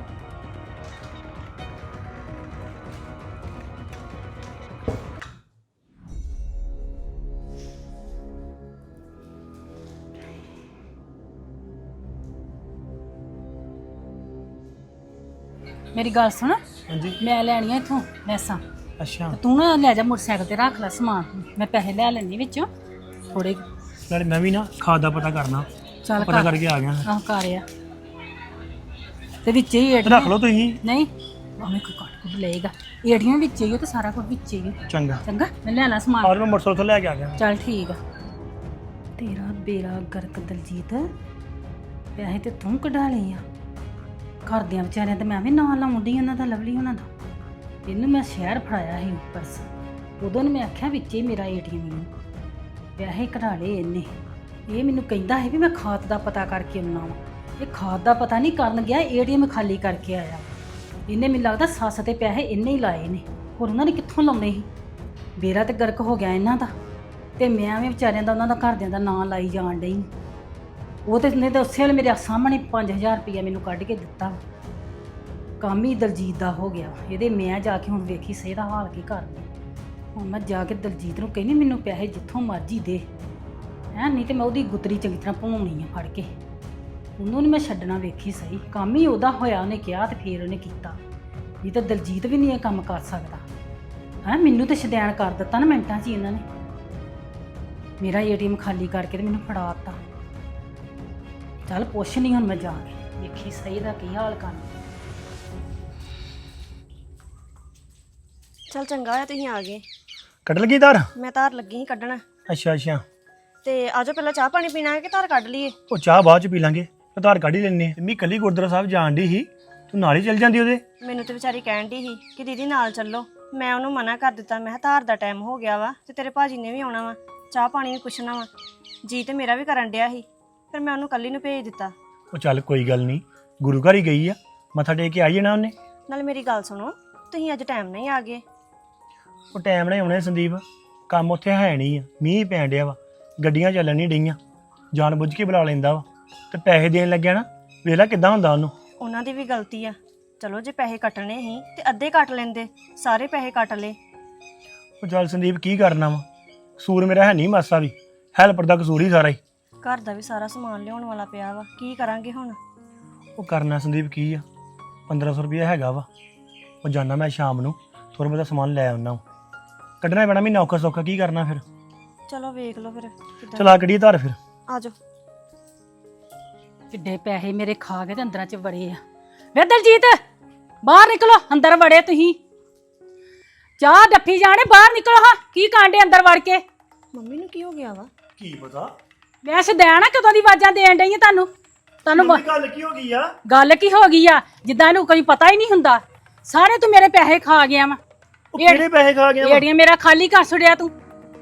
B: ਮੇਰੀ ਗੱਲ ਸੁਣ,
C: ਹਾਂਜੀ।
B: ਮੈਂ ਲੈਣੀਆਂ ਇੱਥੋਂ ਲੈਸਾਂ।
C: ਅੱਛਾ,
B: ਤੂੰ ਨਾ ਲੈ ਜਾ ਮੋਟਰਸਾਈਕਲ ਤੇ ਰੱਖ ਲੈ ਸਮਾਨ, ਮੈਂ ਪੈਸੇ ਲੈ ਲੈਣੀ ਵਿੱਚੋਂ ਥੋੜੇ।
C: ਨਾਲੇ ਮੈਂ ਵੀ ਨਾ ਖਾਦ ਦਾ ਪਤਾ ਕਰਨਾ।
B: ਚੱਲ
C: ਪਤਾ
B: ਕਰ।
C: ਕਰਕੇ ਆ ਗਿਆ।
B: ਆਹ ਕਰ ਆ ਤੇ ਵਿੱਚ ਹੀ ਏਟੀਐਮ
C: ਰੱਖ ਲਓ ਤੁਸੀਂ।
B: ਨਹੀਂ, ਭਾਵੇਂ ਕੋਈ ਕੱਟ ਕੁੱਟ ਲਏਗਾ। ਏਟੀਐਮ ਵਿੱਚ ਹੀ ਉਹ ਤੇ ਸਾਰਾ ਕੁਝ ਵਿੱਚ ਹੀ ਆ।
C: ਚੰਗਾ।
B: ਚੰਗਾ, ਮੈਂ ਲੈ ਲਾ ਸਮਾਨ।
C: ਔਰ ਮੈਂ ਮੋਟਰਸਾਈਕਲ ਤੋਂ ਲੈ ਕੇ ਆ ਗਿਆ।
B: ਚੱਲ ਠੀਕ ਆ। ਤੇਰਾ ਬੇੜਾ ਗਰਕ ਦਲਜੀਤ, ਪੈਸੇ ਤੇ ਤੂੰ ਕਢਾ ਲਈ ਆ। ਘਰਦਿਆਂ ਵਿਚਾਰਿਆਂ ਤੇ ਮੈਂ ਵੀ ਨਾਂ ਲਾਉਂਦੀ ਉਹਨਾਂ ਦਾ, ਲਵਲੀ ਉਹਨਾਂ ਦਾ। ਇਹਨੂੰ ਮੈਂ ਸ਼ਹਿਰ ਫੜਾਇਆ ਸੀ ਪਰਸ, ਉਦੋਂ ਨੂੰ ਮੈਂ ਆਖਿਆ ਵਿੱਚ ਹੀ ਮੇਰਾ ਏਟੀਐਮ ਨੂੰ ਪੈਸੇ ਕਢਾ ਲਏ ਇਹਨੇ। ਇਹ ਮੈਨੂੰ ਕਹਿੰਦਾ ਹੈ ਵੀ ਮੈਂ ਖਾਤ ਦਾ ਪਤਾ ਕਰਕੇ ਆਉਣਾ ਵਾ। ਇਹ ਖਾਤ ਦਾ ਪਤਾ ਨਹੀਂ ਕਰਨ ਗਿਆ, ਏਟੀਐਮ ਖਾਲੀ ਕਰਕੇ ਆਇਆ। ਇਹਨੇ ਮੈਨੂੰ ਲੱਗਦਾ ਸੱਸ ਤੇ ਪੈਸੇ ਇਹਨੇ ਹੀ ਲਾਏ ਨੇ, ਹੋਰ ਉਹਨਾਂ ਨੇ ਕਿੱਥੋਂ ਲਾਉਣੇ ਸੀ। ਬੇੜਾ ਤੇ ਗਰਕ ਹੋ ਗਿਆ ਇਹਨਾਂ ਦਾ, ਤੇ ਮੈਂ ਵੀ ਵਿਚਾਰਿਆਂ ਦਾ ਉਹਨਾਂ ਦਾ ਘਰਦਿਆਂ ਦਾ ਨਾਂ ਲਾਈ ਜਾਣ ਡਈ। ਉਹ ਤੇ ਨੇ ਤਾਂ ਉਸੇ ਵੇਲੇ ਮੇਰੇ ਸਾਹਮਣੇ ਪੰਜ ਹਜ਼ਾਰ ਰੁਪਈਆ ਮੈਨੂੰ ਕੱਢ ਕੇ ਦਿੱਤਾ। ਕੰਮ ਹੀ ਦਲਜੀਤ ਦਾ ਹੋ ਗਿਆ ਇਹਦੇ। ਮੈਂ ਜਾ ਕੇ ਹੁਣ ਵੇਖੀ ਸਹੀ ਦਾ ਹਾਲ ਕੀ ਕਰਦੀ। ਹੁਣ ਮੈਂ ਜਾ ਕੇ ਦਲਜੀਤ ਨੂੰ ਕਹਿੰਦੀ ਮੈਨੂੰ ਪੈਸੇ ਜਿੱਥੋਂ ਮਰਜ਼ੀ ਦੇ ਹੈਂ, ਨਹੀਂ ਤੇ ਮੈਂ ਉਹਦੀ ਗੁੱਤਰੀ ਚੰਗੀ ਤਰ੍ਹਾਂ ਭਵਾਉਣੀ ਆ ਫੜ ਕੇ। ਉਹਨੂੰ ਨਹੀਂ ਮੈਂ ਛੱਡਣਾ, ਵੇਖੀ ਸਹੀ। ਕੰਮ ਹੀ ਉਹਦਾ ਹੋਇਆ, ਉਹਨੇ ਕਿਹਾ ਤੇ ਫੇਰ ਉਹਨੇ ਕੀਤਾ। ਨਹੀਂ ਤਾਂ ਦਲਜੀਤ ਵੀ ਨਹੀਂ ਇਹ ਕੰਮ ਕਰ ਸਕਦਾ ਹੈਂ। ਮੈਨੂੰ ਤੇ ਸ਼ਦੈਣ ਕਰ ਦਿੱਤਾ ਨਾ ਮਿੰਟਾਂ 'ਚ ਹੀ ਇਹਨਾਂ ਨੇ। ਮੇਰਾ ਏਟੀਐਮ ਖਾਲੀ ਕਰਕੇ ਤੇ ਮੈਨੂੰ ਫੜਾ ਦਿੱਤਾ। ਚੱਲ ਪੁੱਛ ਨਹੀਂ ਹੁਣ ਮੈਂ ਜਾ ਕੇ, ਵੇਖੀ ਸਹੀ ਦਾ ਕੀ ਹਾਲ ਕਰਨਾ।
D: ਚੱਲ ਚੰਗਾ ਹੋਇਆ ਤੁਸੀਂ ਆ ਗਏ।
C: ਕੱਢ ਲਗੀ ਧਾਰ।
D: ਮੈਂ ਧਾਰ ਲੱਗੀ ਸੀ ਕੱਢਣ।
C: ਅੱਛਾ ਅੱਛਾ।
D: ਤੇ ਆਜੋ ਪਹਿਲਾਂ ਚਾਹ ਪਾਣੀ ਪੀਣਾ ਹੈ ਕਿ ਧਾਰ ਕੱਢ ਲਈਏ?
C: ਉਹ ਚਾਹ ਬਾਅਦ ਚ ਪੀ ਲਾਂਗੇ ਆਧਾਰ ਕਾਰਡ ਹੀ ਲੈਣੇ ਮੰਮੀ ਕੱਲੀ ਗੁਰਦੁਆਰਾ ਸਾਹਿਬ ਜਾਣ ਦੀ ਸੀ ਤੂੰ ਨਾਲ ਹੀ ਚੱਲ ਜਾਂਦੀ ਉਹਦੇ।
D: ਮੈਨੂੰ ਤੇ ਵਿਚਾਰੀ ਕਹਿਣ ਦੀ ਸੀ ਕਿ ਦੀਦੀ ਨਾਲ ਚੱਲੋ, ਮੈਂ ਉਹਨੂੰ ਮਨਾ ਕਰ ਦਿੱਤਾ। ਮੈਂ ਕਿਹਾ ਧਾਰ ਦਾ ਟਾਈਮ ਹੋ ਗਿਆ ਵਾ ਤੇ ਤੇਰੇ ਭਾਜੀ ਨੇ ਵੀ ਆਉਣਾ ਵਾ, ਚਾਹ ਪਾਣੀ ਵੀ ਪੁੱਛਣਾ ਵਾ। ਜੀ ਤੇ ਮੇਰਾ ਵੀ ਕਰਨ ਡਿਆ ਸੀ, ਫਿਰ ਮੈਂ ਉਹਨੂੰ ਕੱਲੀ ਨੂੰ ਭੇਜ ਦਿੱਤਾ।
C: ਉਹ ਚੱਲ ਕੋਈ ਗੱਲ ਨਹੀਂ, ਗੁਰੂ ਘਰ ਹੀ ਗਈ ਆ, ਮੱਥਾ ਟੇਕ ਕੇ ਆਈ ਜਾਣਾ ਉਹਨੇ।
D: ਨਾਲ ਮੇਰੀ ਗੱਲ ਸੁਣੋ, ਤੁਸੀਂ ਅੱਜ ਟਾਈਮ ਨਹੀਂ ਆ ਗਏ।
C: ਉਹ ਟਾਈਮ ਨਾਲ ਆਉਣੇ ਸੰਦੀਪ, ਕੰਮ ਉੱਥੇ ਹੈ ਨਹੀਂ ਆ, ਮੀਂਹ ਪੈਣ ਡਿਆ ਵਾ, ਗੱਡੀਆਂ ਚੱਲਣ ਨਹੀਂ ਡਈਆਂ, ਜਾਣ ਬੁੱਝ ਕੇ ਬੁਲਾ ਲੈਂਦਾ ਵਾ ਤੇ ਪੈਸੇ ਦੇਣ ਲੱਗਿਆ ਨਾ, ਵੇਖ ਲੈ ਕਿੱਦਾਂ ਹੁੰਦਾ ਉਹਨੂੰ।
D: ਉਹਨਾਂ ਦੀ ਵੀ ਗਲਤੀ ਆ। ਚਲੋ ਜੇ ਪੈਸੇ ਕੱਟਣੇ ਸੀ ਤੇ ਅੱਧੇ ਕੱਟ ਲੈਂਦੇ, ਸਾਰੇ ਪੈਸੇ ਕੱਟ ਲਏ।
C: ਉਹ ਚੱਲ ਸੰਦੀਪ ਕੀ ਕਰਨਾ ਵਾ, ਕਸੂਰ ਮੇਰਾ ਹੈ ਨਹੀਂ ਮਾਸਾ ਵੀ, ਹੈਲਪਰ ਦਾ ਕਸੂਰ ਹੀ ਸਾਰਾ ਹੀ।
D: ਘਰ ਦਾ ਵੀ ਸਾਰਾ ਸਮਾਨ ਲਿਆਉਣ ਵਾਲਾ ਪਿਆ ਵਾ, ਕੀ ਕਰਾਂਗੇ ਹੁਣ?
C: ਉਹ ਕਰਨਾ ਸੰਦੀਪ ਕੀ ਆ, ਪੰਦਰਾਂ ਸੌ ਰੁਪਇਆ ਹੈਗਾ ਵਾ, ਉਹ ਜਾਣਾ ਮੈਂ ਸ਼ਾਮ ਨੂੰ ਥੋੜਾ ਬਹੁਤਾ ਸਮਾਨ ਲੈ ਆਉਣਾ, ਕੱਢਣਾ ਪੈਣਾ ਮਹੀਨਾ ਔਖਾ ਸੌਖਾ, ਕੀ ਕਰਨਾ ਫਿਰ।
D: ਚਲੋ ਵੇਖ ਲਓ ਫਿਰ ਕਿੱਦਾਂ।
C: ਚਲਾ ਕੱਢੀਏ ਧਾਰ ਫਿਰ।
D: ਆਜੋ।
B: ਕਿੱਡੇ ਪੈਸੇ ਮੇਰੇ ਖਾ ਕੇ ਤੇ ਅੰਦਰਾਂ ਚ ਵੜੇ ਆ। ਵੇ ਦਲਜੀਤ ਬਾਹਰ ਨਿਕਲੋ, ਅੰਦਰ ਵੜੇ ਤੁਸੀਂ। ਚਾਹ ਡੱਫੀ ਜਾਣੇ, ਬਾਹਰ ਨਿਕਲੋ ਹਾਂ। ਕੀ ਕਾਂਡੇ ਅੰਦਰ ਵੜ ਕੇ?
D: ਮੰਮੀ ਨੂੰ ਕੀ ਹੋ ਗਿਆ ਵਾ?
C: ਕੀ ਪਤਾ
B: ਮੈਂ ਸਦੈਣਾ ਕਦੋਂ ਦੀ ਆਵਾਜ਼ਾਂ ਦੇਣ ਡਈ ਆ ਤੁਹਾਨੂੰ ਤੁਹਾਨੂੰ ਬ-
C: ਗੱਲ ਕੀ ਹੋ ਗਈ ਆ?
B: ਗੱਲ ਕੀ ਹੋ ਗਈ ਆ? ਜਿੱਦਾਂ ਇਹਨੂੰ ਕੋਈ ਪਤਾ ਹੀ ਨਹੀਂ ਹੁੰਦਾ। ਸਾਰੇ ਤੂੰ ਮੇਰੇ ਪੈਸੇ ਖਾ ਗਿਆ ਵਾ।
C: ਉਹ ਕਿਹੜੇ ਪੈਸੇ ਖਾ ਗਿਆ ਵਾ?
B: ਏੜੀਆਂ ਮੇਰਾ ਖਾਲੀ ਕਰ ਛੁੜਿਆ ਤੂੰ।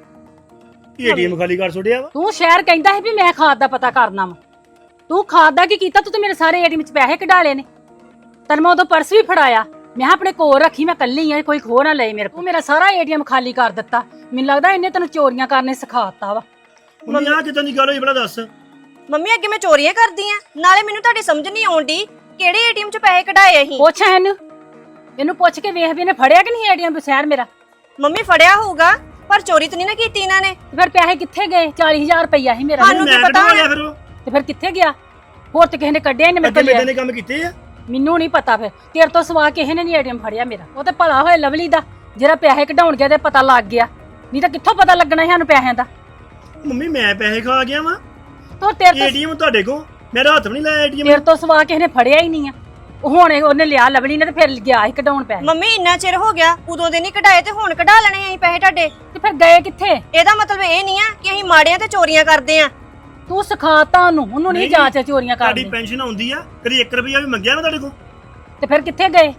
C: ਏਟੀਐਮ ਖਾਲੀ ਕਰ ਛੋੜਿਆ ਵਾ।
B: ਤੂੰ ਸ਼ਹਿਰ ਕਹਿੰਦਾ ਸੀ ਵੀ ਮੈਂ ਖਾਦ ਦਾ ਪਤਾ ਕਰਨਾ ਵਾ। ਤੂੰ ਖਾਦ ਦਾ ਕੀ ਕੀਤਾ? ਤੂੰ ਤੇ ਮੇਰੇ ਸਾਰੇ ਏਟੀਐਮ ਚ ਪੈਸੇ ਕਢਾ ਲਏ ਨੇ। ਤੈਨੂੰ ਮੈਂ ਉਦੋਂ ਪਰਸ ਵੀ ਫੜਾਇਆ, ਮੈਂ ਕਿਹਾ ਆਪਣੇ ਕੋਲ ਰੱਖੀ, ਮੈਂ ਕੱਲੀ ਆ, ਕੋਈ ਖੋ ਨਾ ਲਏ ਮੇਰੇ ਕੋਲ। ਮੇਰਾ ਸਾਰਾ ਏਟੀਐਮ ਖਾਲੀ ਕਰ ਦਿੱਤਾ। ਮੈਨੂੰ ਲੱਗਦਾ ਇਹਨੇ ਤੈਨੂੰ ਚੋਰੀਆਂ ਕਰਨੇ ਸਿਖਾਤਾ ਵਾ।
C: ਮੰਮੀ ਆ ਕਿਦਾਂ ਦੀ ਗੱਲ ਹੋਈ ਬੜਾ ਦੱਸ।
D: ਮੰਮੀ ਅੱਗੇ ਮੈਂ ਚੋਰੀਆਂ ਕਰਦੀ ਆ? ਨਾਲੇ ਮੈਨੂੰ ਤੁਹਾਡੀ ਸਮਝ ਨਹੀਂ ਆਉਂਦੀ ਕਿਹੜੇ ਏਟੀਐਮ ਚ ਪੈਸੇ ਕਢਾਏ ਅਸੀਂ।
B: ਪੁੱਛ ਇਹਨੂੰ, ਇਹਨੂੰ ਪੁੱਛ ਕੇ ਵੇਖ ਵੀ ਇਹਨੇ ਫੜਿਆ ਕਿ ਨਹੀਂ ਏਟੀਐਮ ਬਸੈਰ ਮੇਰਾ।
D: ਮੰਮੀ ਫੜਿਆ ਹੋਊਗਾ ਪਰ ਚੋਰੀ ਤਾਂ ਨਹੀਂ ਨਾ ਕੀਤੀ ਇਹਨਾਂ ਨੇ।
B: ਤੇ ਫਿਰ ਪੈਸੇ ਕਿੱਥੇ ਗਏ? ਚਾਲੀ ਹਜ਼ਾਰ ਰੁਪਈਆ ਸੀ ਮੇਰਾ।
D: ਸਾਨੂੰ ਕੀ
C: ਮੈਂ
D: ਪਤਾ
C: ਕਢਵਾ ਲਿਆ
D: ਹੁਣ?
C: ਫਿਰ ਉਹ।
B: ਤੇ ਫਿਰ ਕਿੱਥੇ ਗਿਆ? ਹੋਰ ਤੇ ਕਿਸੇ ਨੇ ਕੱਢਿਆ ਹੀ ਨਹੀਂ ਮੇਰੇ
C: ਅੱਗੇ
B: ਕੋਲ।
C: ਮੇਰੇ ਨੇ ਕੰਮ ਕੀਤੇ ਆ।
B: ਮੈਨੂੰ ਨਹੀਂ ਪਤਾ। ਫਿਰ ਤੇਰੇ ਤੋਂ ਸਵਾ ਕਿਸੇ ਨੇ ਨਹੀਂ ਏਟੀਐਮ ਫੜਿਆ ਮੇਰਾ। ਉਹ ਤੇ ਭਲਾ ਹੋਇਆ ਲਵਲੀ ਦਾ ਜਿਹੜਾ ਪੈਸੇ ਕਢਾਉਣ ਗਿਆ ਤੇ ਪਤਾ ਲੱਗ ਗਿਆ, ਨਹੀਂ ਤਾਂ ਕਿੱਥੋਂ ਪਤਾ ਲੱਗਣਾ ਸੀ ਸਾਨੂੰ ਪੈਸਿਆਂ ਦਾ।
C: ਮੰਮੀ ਮੈਂ ਪੈਸੇ ਖਾ ਗਿਆ ਵਾ।
B: ਤੋ ਤੇਰੇ ਤੋਂ
C: ਏਟੀਐਮ ਤੁਹਾਡੇ ਕੋਲ, ਮੇਰਾ ਹੱਥ ਵੀ ਨਹੀਂ ਲਾਇਆ ਏਟੀਐਮ।
B: ਤੇਰੇ ਤੋਂ ਸਵਾ ਕਿਸੇ ਨੇ ਫੜਿਆ ਹੀ ਨਹੀਂ ਆ। ਉਹ ਹੁਣ ਇਹ- ਉਹਨੇ ਲਿਆ ਲਵਲੀ ਨੇ ਤੇ ਫਿਰ ਗਿਆ ਸੀ ਕਢਾਉਣ ਪੈਸੇ।
D: ਮੰਮੀ ਇੰਨਾ ਚਿਰ ਹੋ ਗਿਆ, ਉਦੋਂ ਦੇ ਨਹੀਂ ਕਢਾਏ ਤੇ ਹੁਣ ਕਢਾ ਲੈਣੇ ਅਸੀਂ ਪੈਸੇ ਤੁਹਾਡੇ।
B: ਤੇ ਫਿਰ ਗਏ ਕਿੱਥੇ?
D: ਇਹਦਾ ਮਤਲਬ ਇਹ ਨਹੀਂ ਆ ਕਿ ਅਸੀਂ ਮਾੜਿਆਂ ਤੇ ਚੋਰੀਆਂ ਕਰਦੇ ਆ।
B: ਤੂੰ ਸਿਖਾਤਾ ਉਹਨੂੰ, ਉਹਨੂੰ ਨਹੀਂ ਜਾਂਚ ਚੋਰੀਆਂ
C: ਤੁਹਾਡੀ
B: ਕਰਨੀ।
C: ਪੈਨਸ਼ਨ ਆਉਂਦੀ ਆ, ਕਦੀ ਇੱਕ ਰੁਪਿਆ ਵੀ ਮੰਗਿਆ ਮੈਂ ਤੁਹਾਡੇ ਕੋਲ?
B: ਤੇ ਫਿਰ ਕਿੱਥੇ ਗਏ?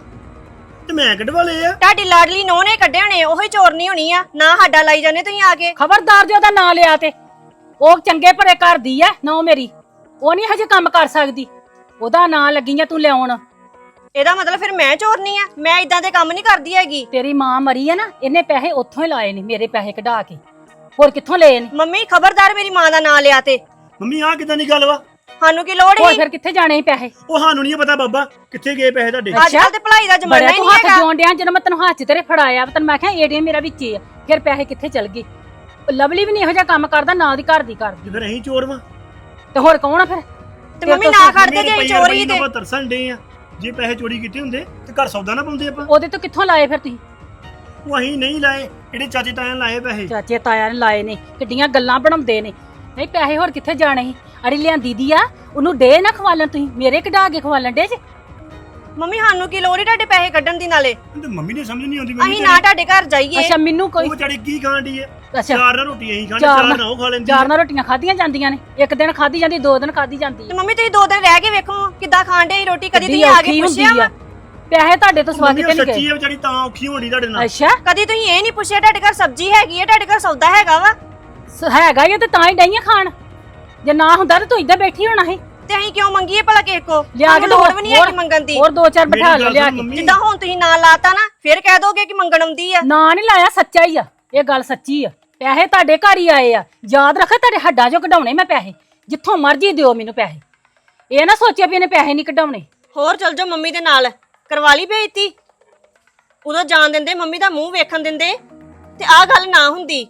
C: ਤੇ ਮੈਂ ਕਢਵਾ ਲਏ ਆ।
D: ਤੁਹਾਡੀ ਲਾਡਲੀ ਨੋਹ ਨੇ ਕੱਢੇ ਹੋਣੇ, ਉਹੀ ਚੋਰਨੀ ਹੋਣੀ ਆ ਨਾ। ਸਾਡਾ ਲਾਈ ਜਾਂਦੇ ਤੁਸੀਂ ਆ ਕੇ।
B: ਖਬਰਦਾਰ ਜੇ ਉਹਦਾ ਨਾਂ ਲਿਆ ਤੇ। ਉਹ ਚੰਗੇ ਭਰੇ ਘਰ ਦੀ ਐ ਨੌ ਮੇਰੀ, ਉਹ ਨਹੀਂ ਹਜੇ ਕੰਮ ਕਰ ਸਕਦੀ। ਉਹਦਾ ਨਾਂ ਲੱਗੀ ਆ ਤੂੰ ਲਿਆਉਣ।
D: ਇਹਦਾ ਮਤਲਬ ਫਿਰ ਮੈਂ ਚੋਰਨੀ ਆ? ਮੈਂ ਇਦਾਂ ਦੇ ਕੰਮ ਨਹੀਂ ਕਰਦੀ ਹੈਗੀ।
B: ਤੇਰੀ ਮਾਂ ਮਰੀ ਹੈ ਨਾ, ਇਹਨੇ ਪੈਸੇ ਉੱਥੋਂ ਹੀ ਲਾਏ ਨੇ, ਮੇਰੇ ਪੈਸੇ ਕਢਾ ਕੇ। ਹੋਰ ਕਿੱਥੋਂ ਲਏ ਨੇ?
D: ਮੰਮੀ ਖਬਰਦਾਰ ਮੇਰੀ ਮਾਂ ਦਾ ਨਾਂ ਲਿਆ ਤੇ।
C: ਮੰਮੀ ਆ ਕਿਦਾਂ ਦੀ ਗੱਲ ਵਾ?
D: ਸਾਨੂੰ ਕੀ ਲੋੜ
B: ਹੋਰ
D: ਸੀ?
B: ਫਿਰ ਕਿੱਥੇ ਜਾਣੇ ਸੀ ਪੈਸੇ?
C: ਉਹ ਸਾਨੂੰ ਨਹੀਂ ਪਤਾ ਬਾਬਾ ਕਿੱਥੇ ਗਏ ਪੈਸੇ ਤੁਹਾਡੇ।
D: ਅੱਜ ਕੱਲ ਤੇ ਭਲਾਈ ਦਾ ਜ਼ਮਾਨਾ
B: ਬੜਾ
D: ਹੀ
B: ਤੂੰ
D: ਨਹੀਂ
B: ਹੱਥ
D: ਹੈਗਾ।
B: ਜੋਣ ਡਿਆ। ਜਦੋਂ ਮੈਂ ਤੈਨੂੰ ਹੱਥ 'ਚ ਤੇਰੇ ਫੜਾਇਆ, ਤੈਨੂੰ ਮੈਂ ਕਿਹਾ ਏਟੀਐਮ ਮੇਰਾ ਵਿੱਚ ਹੀ ਆ, ਫਿਰ ਪੈਸੇ ਕਿੱਥੇ ਚਲ ਗਏ? ਉਹ ਲਵਲੀ ਵੀ ਨਹੀਂ ਇਹੋ ਜਿਹਾ ਕੰਮ ਕਰਦਾ, ਨਾ ਉਹਦੀ ਘਰ ਦੀ ਕਰਦੀ।
C: ਤੇ ਫਿਰ ਅਸੀਂ ਚੋਰ ਵਾ।
B: ਤੇ ਹੋਰ ਕੌਣ ਆ ਫਿਰ?
D: ਤੇ ਮੰਮੀ ਨਾ ਕਰਦੇ ਜੇ ਅਸੀਂ ਚੋਰੀ ਤੇ।
C: ਆਪਾਂ ਤਰਸਣ ਡੇ ਆ, ਜੇ ਪੈਸੇ ਚੋਰੀ ਕੀਤੇ ਹੁੰਦੇ ਤੇ ਘਰ ਸੌਦਾ ਨਾ ਪਾਉਂਦੇ ਆਪਾਂ।
B: ਉਹਦੇ ਤੋਂ ਕਿੱਥੋਂ ਲਾਏ ਫਿਰ ਤੁਸੀਂ?
C: ਉਹ ਅਸੀਂ ਨਹੀਂ ਲਾਏ, ਜਿਹੜੇ ਚਾਚੇ ਤਾਇਆਂ ਲਾਏ ਪੈਸੇ।
B: ਚਾਚੇ ਤਾਇਆ ਨੇ ਲਾਏ ਨੇ, ਕਿੱਡੀਆਂ ਗੱਲਾਂ ਬਣਾਉਂਦੇ ਨੇ। ਨਹੀਂ ਪੈਸੇ ਹੋਰ ਕਿੱਥੇ ਜਾਣੇ ਸੀ? ਅੜੀ ਲਿਆਂਦੀ ਦੀ ਆ, ਉਹਨੂੰ ਡੇ ਨਾ ਖਵਾਲਣ, ਤੁਸੀਂ ਮੇਰੇ ਕਢਾ ਕੇ ਖਵਾਲਣ ਡੇ ਜੇ।
D: ਮੰਮੀ ਸਾਨੂੰ ਕੀ ਲੋੜ ਈ ਤੁਹਾਡੇ ਪੈਸੇ ਕੱਢਣ ਦੀ? ਨਾਲੇ
C: ਤੇ ਮੰਮੀ ਨੇ ਸਮਝ ਨਹੀਂ ਆਉਂਦੀ।
D: ਅਸੀਂ ਨਾ ਤੁਹਾਡੇ ਘਰ ਜਾਈਏ।
B: ਅੱਛਾ ਮੈਨੂੰ ਕੋਈ
C: ਉਹ ਵਿਚਾਰੀ ਕੀ ਖਾਣ ਦੀ ਹੈ?
B: ਅੱਛਾ
C: ਚਾਰ ਨਾਲ ਰੋਟੀ ਅਸੀਂ ਖਾਣੀ,
B: ਚਾਰ
C: ਚਾਰ
B: ਨਾਲ-
C: ਨਾਲ ਉਹ ਖਾ ਲੈਂਦੀ।
B: ਚਾਰ ਨਾਲ ਰੋਟੀਆਂ ਖਾਧੀਆਂ ਜਾਂਦੀਆਂ ਨੇ, ਇੱਕ ਦਿਨ ਖਾਧੀ ਜਾਂਦੀ, ਦੋ ਦਿਨ ਖਾਧੀ ਜਾਂਦੀ
D: ਤੇ
B: ਹੈ।
D: ਮੰਮੀ ਤੁਸੀਂ ਦੋ ਦਿਨ ਰਹਿ ਕੇ ਵੇਖੋ ਕਿੱਦਾਂ ਖਾਣ ਦੇ ਰੋਟੀ। ਕਦੀ ਤੁਸੀਂ ਆ
B: ਔਖੀ
D: ਕੇ
B: ਹੁੰਦੀ
D: ਪੁੱਛਿਆ
B: ਆ।
D: ਵਾ?
B: ਪੈਸੇ ਤੁਹਾਡੇ ਤੋਂ ਸਵਾ
C: ਮੰਮੀ
B: ਕਿਤੇ
C: ਉਹ
B: ਨਹੀਂ
C: ਸੱਚੀ
B: ਗਏ।
C: ਹੈ ਵਿਚਾਰੀ, ਤਾਂ ਔਖੀ ਹੋਣੀ ਤੁਹਾਡੇ ਨਾਲ।
B: ਅੱਛਾ
D: ਕਦੀ ਤੁਸੀਂ ਇਹ ਨਹੀਂ ਪੁੱਛਿਆ ਤੁਹਾਡੇ ਘਰ ਸਬਜ਼ੀ ਹੈਗੀ ਹੈ, ਤੁਹਾਡੇ ਘਰ ਸੌਦਾ ਹੈਗਾ ਵਾ?
B: ਸ- ਹੈਗਾ ਹੀ ਆ ਤੇ ਤਾਂ ਹੀ ਡਈਆਂ ਖਾਣ। ਜੇ ਨਾ ਹੁੰਦਾ ਤਾਂ ਤੂੰ ਇੱਧਰ ਬੈਠੀ ਹੋਣਾ ਸੀ।
D: ਤੇ ਅਸੀਂ ਕਿਉਂ ਮੰਗੀਏ ਭਲਾ ਕਿਸੇ ਕੋ?
B: ਲਿਆ ਕੇ
D: ਸਾਨੂੰ ਲੋੜ ਵੀ ਨਹੀਂ ਹੈਗੀ ਮੰਗਣ ਦੀ।
B: ਹੋਰ ਦੋ ਚਾਰ
C: ਮੇਰੀ
B: ਬਿਠਾ ਲਓ
C: ਗੱਲ
B: ਲਿਆ
C: ਸੁਣ
B: ਕੇ।
C: ਮੰਮੀ।
D: ਜਿੱਦਾਂ ਹੁਣ ਤੁਸੀਂ ਨਾਂ ਲਾਤਾ ਨਾ, ਫਿਰ ਕਹਿ ਦੋਗੇ ਕਿ ਮੰਗਣ ਆਉਂਦੀ ਆ।
B: ਨਾ ਨਹੀਂ ਲਾਇਆ, ਸੱਚਾ ਹੀ ਆ, ਇਹ ਗੱਲ ਸੱਚੀ ਆ। ਪੈਸੇ ਤੁਹਾਡੇ ਘਰ ਹੀ ਆਏ ਆ, ਯਾਦ ਰੱਖੋ। ਤੁਹਾਡੇ ਹੱਡਾਂ ਚੋਂ ਕਢਾਉਣੇ ਮੈਂ ਪੈਸੇ, ਜਿੱਥੋਂ ਮਰਜ਼ੀ ਦਿਓ ਮੈਨੂੰ ਪੈਸੇ। ਇਹ ਨਾ ਸੋਚਿਆ ਵੀ ਇਹਨੇ ਪੈਸੇ ਨਹੀਂ ਕਢਾਉਣੇ।
D: ਹੋਰ ਚਲ ਜਾਓ ਮੰਮੀ ਦੇ ਨਾਲ, ਕਰਵਾ ਲਈ ਬੇਇੱਜ਼ਤੀ। ਉਦੋਂ ਜਾਣ ਦਿੰਦੇ, ਮੰਮੀ ਦਾ ਮੂੰਹ ਵੇਖਣ ਦਿੰਦੇ ਤੇ ਆਹ ਗੱਲ ਨਾ ਹੁੰਦੀ।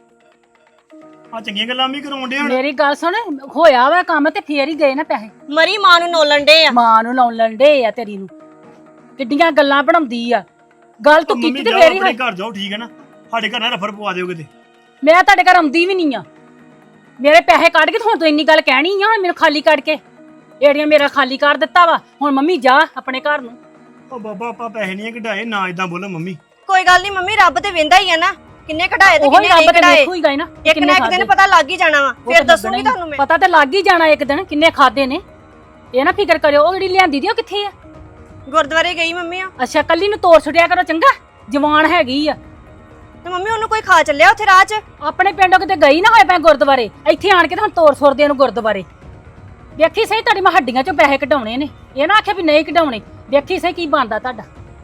C: ਆ ਚੰਗੀਆਂ ਗੱਲਾਂ ਵੀ ਕਰਾਉਣ ਡੇ ਹੁਣ।
B: ਮੇਰੀ ਗੱਲ ਸੁਣ, ਹੋਇਆ ਵਾ ਕੰਮ ਤੇ ਫੇਰ ਹੀ ਗਏ ਨਾ ਪੈਸੇ।
D: ਮਰੀ ਮਾਂ ਨੂੰ ਨੋਲਣ ਡੇ ਆ।
B: ਮਾਂ ਨੂੰ ਲਾਉਣ ਲੰਡੇ ਆ ਤੇਰੀ ਨੂੰ, ਕਿੱਡੀਆਂ ਗੱਲਾਂ ਬਣਾਉਂਦੀ ਆ। ਗੱਲ ਤੂੰ
C: ਮੰਮੀ
B: ਕੀਤੀ ਤੇ
C: ਜਾਓ
B: ਫੇਰ ਹੀ
C: ਆਪਣੇ
B: ਹੋਈ।
C: ਘਰ ਜਾਓ, ਠੀਕ ਹੈ ਨਾ? ਸਾਡੇ ਘਰ ਨਾ ਰਫਰ ਪਵਾ ਦਿਓ ਕਿਤੇ।
B: ਮੈਂ ਤੁਹਾਡੇ ਘਰ ਆਉਂਦੀ ਵੀ ਨਹੀਂ ਆ। ਮੇਰੇ ਪੈਸੇ ਕੱਢ ਕੇ ਹੁਣ ਤੂੰ ਇੰਨੀ ਗੱਲ ਕਹਿਣੀ ਆ? ਹੁਣ ਮੈਨੂੰ ਖਾਲੀ ਕੱਢ ਕੇ ਏੜੀਆਂ ਮੇਰਾ ਖਾਲੀ ਕਰ ਦਿੱਤਾ ਵਾ। ਹੁਣ ਮੰਮੀ ਜਾ ਆਪਣੇ ਘਰ ਨੂੰ।
C: ਉਹ ਬਾਬਾ ਆਪਾਂ ਪੈਸੇ ਨਹੀਂ ਕਢਾਏ, ਨਾ ਇਦਾਂ ਬੋਲੋ ਮੰਮੀ।
D: ਕੋਈ ਗੱਲ ਨਹੀਂ ਮੰਮੀ, ਰੱਬ ਤੇ ਵੇਂਦਾ ਹੀ ਆ ਨਾ। ਕਿੰਨੇ ਕਢਾਏ ਤੇ
B: ਉਹੀ
D: ਕਿੰਨੇ
B: ਰੱਬ
D: ਨਹੀਂ
B: ਤੇ
D: ਕਢਾਏ।
B: ਦੇਖੂਗਾ ਹੀ ਨਾ
D: ਇੱਕ ਨਾ
B: ਕਿੰਨੇ
D: ਇੱਕ ਦਿਨ
B: ਖਾਧੇ।
D: ਪਤਾ ਲੱਗ ਹੀ ਜਾਣਾ ਵਾ
B: ਉਹ
D: ਫਿਰ
B: ਤਾਂ
D: ਦੱਸੂਗੀ
B: ਲੱਗਣਾ ਹੀ।
D: ਤੁਹਾਨੂੰ ਮੈਂ।
B: ਪਤਾ ਤੇ ਲੱਗ ਹੀ ਜਾਣਾ ਇੱਕ ਦਿਨ ਕਿੰਨੇ ਖਾਦੇ ਨੇ। ਇਹ ਨਾ ਫਿਕਰ ਕਰਿਓ ਉਹ ਜਿਹੜੀ ਲਿਆਂਦੀ ਦੀ ਉਹ ਕਿੱਥੇ ਆ।
D: ਗੁਰਦੁਆਰੇ ਗਈ ਮੰਮੀ ਆ
B: ਅੱਛਾ ਕੱਲੀ ਨੂੰ ਤੋੜ ਛੁੱਟਿਆ ਕਰੋ ਚੰਗਾ ਜਵਾਨ ਹੈਗੀ ਆ।
D: ਤੇ ਮੰਮੀ ਉਹਨੂੰ ਕੋਈ ਖਾ ਚੱਲਿਆ ਉੱਥੇ ਰਾਹ 'ਚ।
B: ਆਪਣੇ ਪਿੰਡੋਂ ਕਿਤੇ ਗਈ ਨਾ ਹੋਏ ਪੈ ਗੁਰਦੁਆਰੇ ਇੱਥੇ ਆਣ ਕੇ ਤਾਂ ਹੁਣ ਤੋੜ ਛੋੜਦੇ ਨੂੰ ਗੁਰਦੁਆਰੇ। ਵੇਖੀ ਸਹੀ ਤੁਹਾਡੀ ਮੈਂ ਹੱਡੀਆਂ ਚੋਂ ਪੈਸੇ ਕਢਾਉਣੇ ਨੇ ਇਹ ਨਾ ਆਖਿਆ ਵੀ ਨਹੀਂ ਕਢਾਉਣੇ। ਵੇਖੀ ਸਹੀ ਕੀ ਬਣਦਾ ਤੁਹਾਡਾ।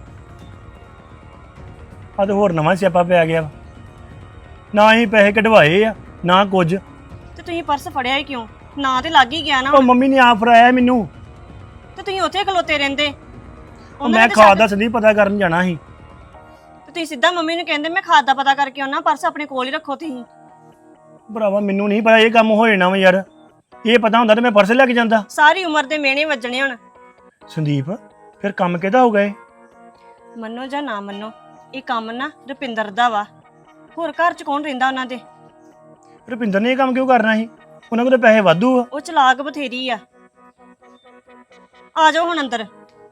C: ਆ ਤੇ ਹੋਰ ਨਵਾਂ ਸਿਆਪਾ ਪਿਆ ਗਿਆ ਵਾ ਨਾ ਹੀ ਪੈਸੇ ਕਢਵਾਏ ਆ ਨਾ ਕੁਝ।
D: ਤੇ ਤੁਸੀਂ ਪਰਸ ਫੜਿਆ ਹੀ ਕਿਉਂ ਨਾ ਤੇ ਲੱਗ ਹੀ ਗਿਆ ਨਾ
C: ਉਹ ਮੰਮੀ ਨੇ ਆਪ ਫੜਾਇਆ ਮੈਨੂੰ।
D: ਤੇ ਤੁਸੀਂ ਉੱਥੇ ਖਲੋਤੇ ਰਹਿੰਦੇ।
C: ਉਹ
D: ਉਹਨਾਂ
C: ਮੈਂ
D: ਨੇ
C: ਖਾਦ
D: ਤਾਂ
C: ਦਾ ਸੰਦੀਪ ਪਤਾ ਕਰਨ ਜਾਣਾ ਸੀ।
D: ਤੇ ਤੁਸੀਂ ਸਿੱਧਾ ਮੰਮੀ ਨੂੰ ਕਹਿੰਦੇ ਮੈਂ ਖਾਦ ਦਾ ਪਤਾ ਕਰਕੇ ਆਉਣਾ ਪਰਸ ਆਪਣੇ ਕੋਲ ਹੀ ਰੱਖੋ ਤੁਸੀਂ।
C: ਭਰਾਵਾ ਮੈਨੂੰ ਨਹੀਂ ਪਤਾ ਇਹ ਕੰਮ ਹੋ ਜਾਣਾ ਵਾ ਯਾਰ। ਇਹ ਪਤਾ ਹੁੰਦਾ ਤੇ ਮੈਂ ਪਰਸ ਲੈ ਕੇ ਜਾਂਦਾ।
D: ਸਾਰੀ ਉਮਰ ਦੇ ਮਿਹਣੇ ਵੱਜਣੇ ਹੁਣ।
C: ਸੰਦੀਪ ਫਿਰ ਕੰਮ ਕਿਹਦਾ ਹੋਊਗਾ ਇਹ?
D: ਮੰਨੋ ਜਾਂ ਨਾ ਮੰਨੋ ਇਹ ਕੰਮ ਨਾ ਰੁਪਿੰਦਰ ਦਾ ਵਾ। ਹੋਰ ਘਰ 'ਚ ਕੌਣ ਰਹਿੰਦਾ ਉਹਨਾਂ ਦੇ।
C: ਰੁਪਿੰਦਰ ਨੇ ਇਹ ਕੰਮ ਕਿਉਂ ਕਰਨਾ ਸੀ? ਉਹਨਾਂ ਕੋਲ ਤਾਂ ਪੈਸੇ ਵਾਧੂ ਆ।
D: ਉਹ ਚਲਾਕ ਬਥੇਰੀ ਆ। ਆ ਜਾਓ ਹੁਣ ਅੰਦਰ।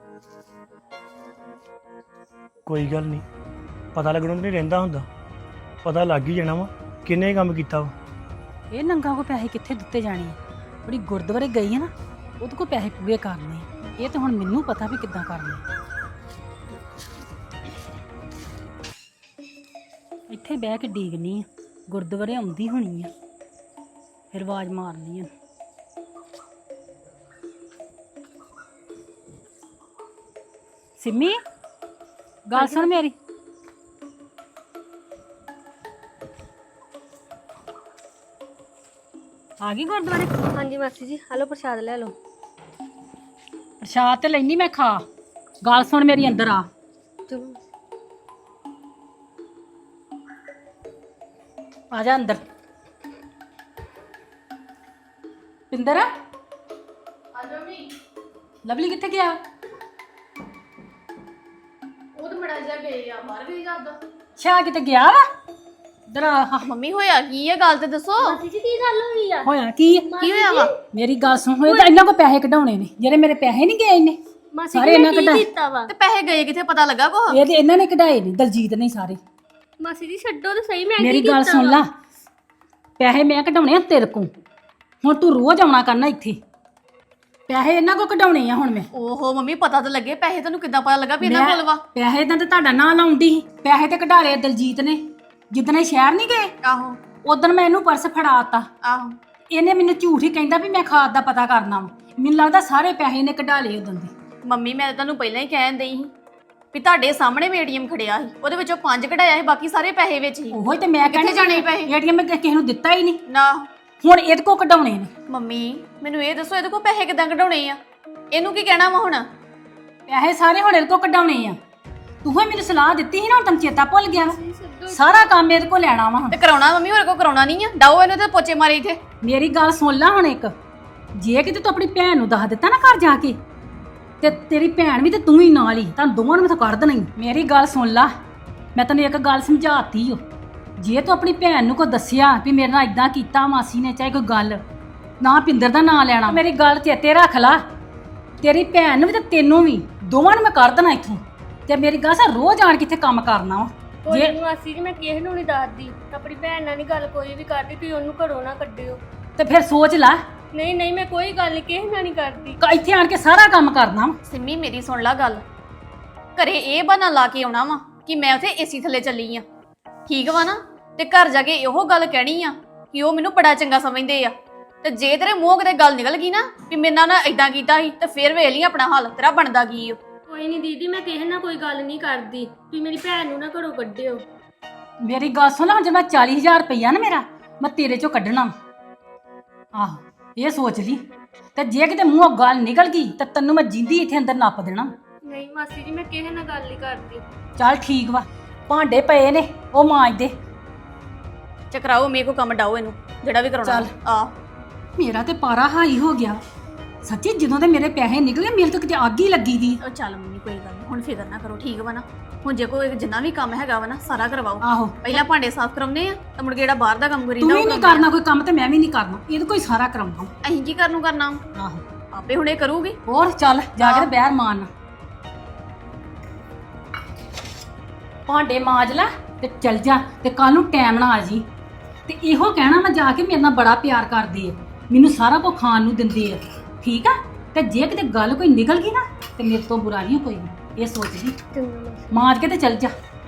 C: ਕੋਈ ਗੱਲ ਨਹੀਂ ਪਤਾ ਲੱਗਣੋਂ ਤਾਂ ਨਹੀਂ ਰਹਿੰਦਾ ਹੁੰਦਾ। ਪਤਾ ਲੱਗ ਹੀ ਜਾਣਾ ਵਾ ਕਿੰਨੇ ਕੰਮ ਕੀਤਾ ਵਾ।
B: ਇਹ ਨੰਗਾ ਕੋ ਪੈਸੇ ਕਿੱਥੇ ਦਿੱਤੇ ਜਾਣੇ ਆ। ਬੜੀ ਗੁਰਦੁਆਰੇ ਗਈ ਹੈ ਨਾ ਉਹਦੇ ਕੋ ਪੈਸੇ ਪੂਰੇ ਕਰਨੇ ਆ। ਇਹ ਤਾਂ ਹੁਣ ਮੈਨੂੰ ਪਤਾ ਵੀ ਕਿੱਦਾਂ ਕਰਨੇ ਆ। ਇੱਥੇ ਬਹਿ ਕੇ ਡੀਕਨੀ ਆ ਗੁਰਦੁਆਰੇ ਆਉਂਦੀ ਹੋਣੀ ਆ ਫਿਰ ਆਵਾਜ਼ ਮਾਰਨੀ ਆ। ਸਿੰਮੀ ਗੱਲ ਸੁਣ ਮੇਰੀ। ਆ ਗਈ ਗੁਰਦੁਆਰੇ।
E: ਹਾਂਜੀ ਮਾਸੀ ਜੀ ਹਲੋ ਪ੍ਰਸ਼ਾਦ ਲੈ ਲਓ।
B: ਪ੍ਰਸ਼ਾਦ ਤੇ ਲੈਣੀ ਮੈਂ ਖਾ। ਗੱਲ ਸੁਣ ਮੇਰੀ ਅੰਦਰ ਆ।
E: ਚਲੋ
B: ਆ ਜਾ ਅੰਦਰ। ਪਿੰਦਰ ਆ
F: ਜਾਓ ਵੀ
B: ਲਵਲੀ ਕਿੱਥੇ ਗਿਆ?
F: ਉਹ ਤਾਂ ਮੜਾ ਜਾ ਗਏ ਆ ਬਾਹਰ ਗਈ ਜਾਂਦਾ।
B: ਛਾ ਕਿਤੇ ਗਿਆ ਵਾ? ਇਧਰ ਆ।
F: ਮੰਮੀ ਹੋਇਆ ਕੀ ਆ ਗੱਲ ਤੇ ਦੱਸੋ।
E: ਮਾਸੀ ਜੀ ਕੀ ਗੱਲ ਹੋ ਗਈ ਆ?
B: ਹੋਇਆ ਕੀ ਹੈ?
F: ਕੀ ਹੋਇਆ ਵਾ?
B: ਮੇਰੀ ਗੱਲ ਸੁਣ ਹੋਏ ਤਾਂ ਇਹਨਾਂ ਕੋ ਪੈਸੇ ਕਢਾਉਣੇ ਨੇ ਜਿਹੜੇ ਮੇਰੇ ਪੈਸੇ ਨਹੀਂ ਗਏ ਇਹਨੇ
E: ਮਾਸੀ
B: ਸਾਰੇ
E: ਜੀ
B: ਇਹਨਾਂ
E: ਨੇ ਕੀ
B: ਕਢਾਏ।
E: ਕੀਤਾ ਵਾ?
F: ਤੇ ਪੈਸੇ ਗਏ ਕਿੱਥੇ ਪਤਾ ਲੱਗਾ ਕੋ?
B: ਇਹ ਤੇ ਇਹਨਾਂ ਨੇ ਕਢਾਏ ਨੇ ਦਲਜੀਤ ਨੇ ਸਾਰੇ।
E: ਮਾਸੀ ਜੀ ਛੱਡੋ ਤੇ ਸਹੀ ਮੈਂ ਕੀ
B: ਮੇਰੀ ਗੱਲ
E: ਕੀਤਾ
B: ਸੁਣ
E: ਵਾ?
B: ਲਾ ਪੈਸੇ ਮੈਂ ਕਢਾਉਣੇ ਆ ਤੇਰੇ ਕੋ। ਹੁਣ ਤੂੰ ਰੋਜ਼ ਆਉਣਾ ਕਰਨਾ ਇੱਥੇ। ਪੈਸੇ ਇਹਨਾਂ ਕੋ ਕਢਾਉਣੇ ਆ ਹੁਣ ਮੈਂ।
F: ਓਹੋ ਮੰਮੀ ਪਤਾ ਤਾਂ ਲੱਗੇ ਪੈਸੇ ਤੈਨੂੰ ਕਿੱਦਾਂ ਪਤਾ ਲੱਗਾ ਵੀ ਇਹਨਾਂ ਕੋਲ ਵਾ?
B: ਪੈਸੇ ਤਾਂ ਤੇ ਤੁਹਾਡਾ ਨਾਂ ਲਾਉਂਦੀ ਸੀ। ਪੈਸੇ ਤੇ ਕਢਾ ਲਏ ਦਲਜੀਤ ਨੇ ਜਿੱਦਣੇ ਸ਼ਹਿਰ ਨਹੀਂ ਗਏ
F: ਆਹੋ
B: ਉਦੋਂ ਮੈਂ ਇਹਨੂੰ ਪਰਸ ਫੜਾਤਾ।
F: ਆਹੋ
B: ਇਹਨੇ ਮੈਨੂੰ ਝੂਠ ਹੀ ਕਹਿੰਦਾ ਵੀ ਮੈਂ ਖਾਦ ਦਾ ਪਤਾ ਕਰਨਾ ਵਾ। ਮੈਨੂੰ ਲੱਗਦਾ ਸਾਰੇ ਪੈਸੇ ਇਹਨੇ ਕਢਾ ਲਏ ਉਦੋਂ ਦੇ।
F: ਮੰਮੀ ਮੈਂ ਤਾਂ ਤੁਹਾਨੂੰ ਪਹਿਲਾਂ ਹੀ ਕਹਿਣ ਦਈ ਸੀ ਵੀ ਤੁਹਾਡੇ ਸਾਹਮਣੇ ਮੈਂ ਏਟੀਐਮ ਖੜਿਆ ਸੀ ਉਹਦੇ ਵਿੱਚੋਂ ਪੰਜ ਕਢਾਇਆ ਸੀ ਬਾਕੀ ਸਾਰੇ ਪੈਸੇ ਵਿੱਚ ਹੀ।
B: ਉਹੀ ਤੇ ਮੈਂ
F: ਕਿੱਥੇ ਜਾਣੇ ਪੈਸੇ?
B: ਏਟੀਐਮ ਮੈਂ ਕਿਸੇ ਨੂੰ ਦਿੱਤਾ ਹੀ ਨਹੀਂ।
F: ਨਾ
B: ਹੁਣ ਇਹਦੇ ਕੋ ਕਢਾਉਣੇ ਨੇ।
F: ਮੰਮੀ ਮੈਨੂੰ ਇਹ ਦੱਸੋ ਇਹਦੇ ਕੋਲ ਪੈਸੇ ਕਿੱਦਾਂ ਕਢਾਉਣੇ ਆ? ਇਹਨੂੰ ਕੀ ਕਹਿਣਾ ਵਾ ਹੁਣ?
B: ਪੈਸੇ ਸਾਰੇ ਹੁਣ ਇਹਦੇ ਕੋ ਕਢਾਉਣੇ ਆ। ਤੂੰ ਹੀ ਮੈਨੂੰ ਸਲਾਹ ਦਿੱਤੀ ਸੀ ਨਾ ਹੁਣ ਤੈਨੂੰ ਚੇਤਾ ਭੁੱਲ ਗਿਆ ਵਾ। ਸਾਰਾ ਕੰਮ ਇਹਦੇ ਕੋ ਲੈਣਾ ਵਾ ਹੁਣ।
F: ਤੇ ਕਰਾਉਣਾ ਮੰਮੀ ਹੋਰ ਕੋ ਕਰਾਉਣਾ ਨਹੀਂ ਆ। ਡਾਓ ਇਹਨੂੰ ਤੇ ਪੋਚੇ ਮਾਰੇ ਇੱਥੇ।
B: ਮੇਰੀ ਗੱਲ ਸੁਣ ਲੈ ਹੁਣ ਇੱਕ। ਜੇ ਕਿਤੇ ਤੂੰ ਆਪਣੀ ਭੈਣ ਨੂੰ ਦੱਸ ਦਿੱਤਾ ਨਾ ਘਰ ਜਾ ਕੇ ਤੇ ਤੇਰੀ ਭੈਣ ਵੀ ਤੇ ਤੂੰ ਹੀ ਨਾਲ ਹੀ ਤੁਹਾਨੂੰ ਦੋਵਾਂ ਨੂੰ ਮੈਂ ਤਾਂ ਕੱਢ ਦੇਣਾ ਹੀ। ਮੇਰੀ ਗੱਲ ਸੁਣ ਲਾ ਮੈਂ ਤੈਨੂੰ ਇੱਕ ਗੱਲ ਸਮਝਾਤੀ ਓ। ਜੇ ਤੂੰ ਆਪਣੀ ਭੈਣ ਨੂੰ ਕੋ ਦੱਸਿਆ ਵੀ ਮੇਰੇ ਨਾਲ ਇਦਾਂ ਕੀਤਾ ਮਾਸੀ ਨੇ ਚਾਹੇ ਕੋਈ ਗੱਲ ਨਾ ਪਿੰਦਰ ਦਾ ਨਾਂ ਲੈਣਾ। ਮੇਰੀ ਗੱਲ ਚੇਤੇ ਰੱਖ ਲਾ ਤੇਰੀ ਭੈਣ ਨੂੰ ਵੀ ਤੇ ਤੈਨੂੰ ਵੀ ਦੋਵਾਂ ਨੂੰ ਮੈਂ ਕੱਢ ਦੇਣਾ ਇੱਥੋਂ। ਤੇ ਮੇਰੀ ਗੱਲ ਸਾ ਰੋਜ਼ ਆਣ ਕੇ ਇੱਥੇ ਕੰਮ ਕਰਨਾ ਵਾ।
E: ਕੋਈ ਨੀ ਮਾਸੀ ਜੀ ਮੈਂ ਕਿਸੇ ਨੂੰ ਨਹੀਂ ਦੱਸਦੀ। ਆਪਣੀ ਭੈਣ ਨਾਲ ਨਹੀਂ ਗੱਲ ਕੋਈ ਵੀ ਕਰਦੀ ਤੁਸੀਂ ਉਹਨੂੰ ਘਰੋਂ ਨਾ ਕੱਢਿਓ।
B: ਤੇ ਫਿਰ ਸੋਚ ਲੈ
E: ਨਹੀਂ ਨਹੀਂ ਮੈਂ ਕੋਈ ਗੱਲ ਨਹੀਂ ਕਿਸੇ ਨਾਲ ਨਹੀਂ ਕਰਦੀ।
B: ਕ- ਇੱਥੇ ਆਣ ਕੇ ਸਾਰਾ ਕੰਮ ਕਰਨਾ ਵਾ।
F: ਸਿੰਮੀ ਮੇਰੀ ਸੁਣ ਲਾ ਗੱਲ। ਘਰੇ ਇਹ ਬਹਾਨਾ ਲਾ ਕੇ ਆਉਣਾ ਵਾ ਕਿ ਮੈਂ ਉੱਥੇ ਏਸੀ ਥੱਲੇ ਚੱਲੀ ਆ। ਠੀਕ ਵਾ ਨਾ? ਤੇ ਘਰ ਜਾ ਕੇ ਇਹੋ ਗੱਲ ਕਹਿਣੀ ਆ ਕਿ ਉਹ ਮੈਨੂੰ ਬੜਾ ਚੰਗਾ ਸਮਝਦੇ ਆ। ਤੇ ਜੇ ਤੇਰੇ ਮੂੰਹ ਕਿਤੇ ਗੱਲ ਨਿਕਲ ਗਈ ਨਾ ਵੀ ਮੇਰੇ ਨਾਲ ਨਾ ਇਦਾਂ ਕੀਤਾ ਸੀ ਤੇ ਫੇਰ ਵੇਖ ਲਈ ਆਪਣਾ ਹਾਲ ਤੇਰਾ ਬਣਦਾ ਕੀ ਓ।
E: ਕੋਈ ਨਹੀਂ ਦੀਦੀ ਮੈਂ ਕਿਸੇ ਨਾਲ ਕੋਈ ਗੱਲ ਨਹੀਂ ਕਰਦੀ। ਤੁਸੀਂ ਮੇਰੀ ਭੈਣ ਨੂੰ ਨਾ ਘਰੋਂ ਕੱਢਿਓ।
B: ਮੇਰੀ ਗੱਲ ਸੁਣ ਲਾ ਜੇ ਮੈਂ ਚਾਲੀ ਹਜ਼ਾਰ ਰੁਪਈਆ ਨਾ ਮੇਰਾ ਮੈਂ ਤੇਰੇ ਚੋਂ ਕੱਢਣਾ ਵਾ। ਆਹੋ ਇਹ ਸੋਚ ਲਈ। ਤੇ ਜੇ ਕਿਤੇ ਮੂੰਹੋਂ ਗੱਲ ਨਿਕਲ ਗਈ ਤਾਂ ਤੈਨੂੰ ਮੈਂ ਜਿੰਦੀ ਇੱਥੇ ਅੰਦਰ ਨੱਪ ਦੇਣਾ।
E: ਨਹੀਂ ਮਾਸੀ ਜੀ ਮੈਂ ਕਿਸੇ ਨਾਲ ਗੱਲ ਨਹੀਂ ਕਰਦੀ।
B: ਚੱਲ ਠੀਕ ਵਾ ਭਾਂਡੇ ਪਏ ਨੇ ਉਹ ਮਾਂਜ ਦੇ।
F: ਚਕਰਾਓ ਮੇਰੇ ਕੋ ਕੰਮ ਡਾਓ ਇਹਨੂੰ ਜਿਹੜਾ ਵੀ ਕਰਾਉਣਾ।
B: ਚੱਲ।
F: ਆ
B: ਮੇਰਾ ਤੇ ਪਾਰਾ ਹਾਈ ਹੋ ਗਿਆ ਸੱਚੀ। ਜਦੋਂ ਦੇ ਮੇਰੇ ਪੈਸੇ ਨਿਕਲੇ ਮੇਰੇ ਤੋਂ ਕਿਤੇ ਅੱਗ ਹੀ ਲੱਗੀ ਦੀ।
F: ਉਹ ਚੱਲ ਮੰਮੀ ਕੋਈ ਗੱਲ ਨਹੀਂ ਹੁਣ ਫਿਕਰ ਨਾ ਕਰੋ। ਠੀਕ ਵਾ ਨਾ? ਹੁਣ ਜੇ ਕੋਈ ਜਿੰਨਾ ਵੀ ਕੰਮ ਹੈਗਾ ਵਾ ਨਾ ਸਾਰਾ ਕਰਵਾਓ।
B: ਆਹੋ
F: ਪਹਿਲਾਂ ਭਾਂਡੇ ਸਾਫ਼ ਕਰਾਉਣੇ ਆ ਤਾਂ ਮੁੜ ਕੇ ਜਿਹੜਾ ਬਾਹਰ ਦਾ ਕੰਮ
B: ਤੂੰ
F: ਕਰੀਦਾ
B: ਵੀ ਨਹੀਂ ਕਰਨਾ ਕੋਈ ਕੰਮ ਤੇ ਮੈਂ ਵੀ ਨਹੀਂ ਕਰਨਾ। ਇਹਦੇ ਕੋਈ ਸਾਰਾ ਕਰਾਉਣਾ।
F: ਅਸੀਂ ਕੀ ਕਰਨ ਨੂੰ ਕਰਨਾ?
B: ਆਹੋ
F: ਆਪੇ ਹੁਣੇ ਕਰੂਗੀ।
B: ਹੋਰ ਚੱਲ ਜਾ ਕੇ ਤੇ ਬਹਿਰ ਮਾਰਨਾ। ਭਾਂਡੇ ਮਾਂਜ ਲੈ ਤੇ ਚੱਲ ਜਾ ਤੇ ਕੱਲ ਨੂੰ ਟਾਈਮ ਨਾਲ ਆ ਜੀ। ਤੇ ਇਹੋ ਕਹਿਣਾ ਮੈਂ ਜਾ ਕੇ ਮੇਰੇ ਨਾਲ ਬੜਾ ਪਿਆਰ ਕਰਦੇ ਆ, ਮੈਨੂੰ ਸਾਰਾ ਕੁਝ ਖਾਣ ਨੂੰ ਦਿੰਦੇ ਆ, ਠੀਕ ਆ। ਤੇ ਜੇ ਕਿਤੇ ਗੱਲ ਕੋਈ ਨਿਕਲ ਗਈ ਨਾ ਤੇ ਮੇਰੇ ਤੋਂ ਬੁਰਾ ਨਹੀਂ ਕੋਈ ਵੀ, ਇਹ ਸੋਚ ਜੀ।
E: ਚੰਗਾ ਮਾਸੀ।
B: ਮਾਰ ਕੇ ਤੇ ਚੱਲ ਜਾ।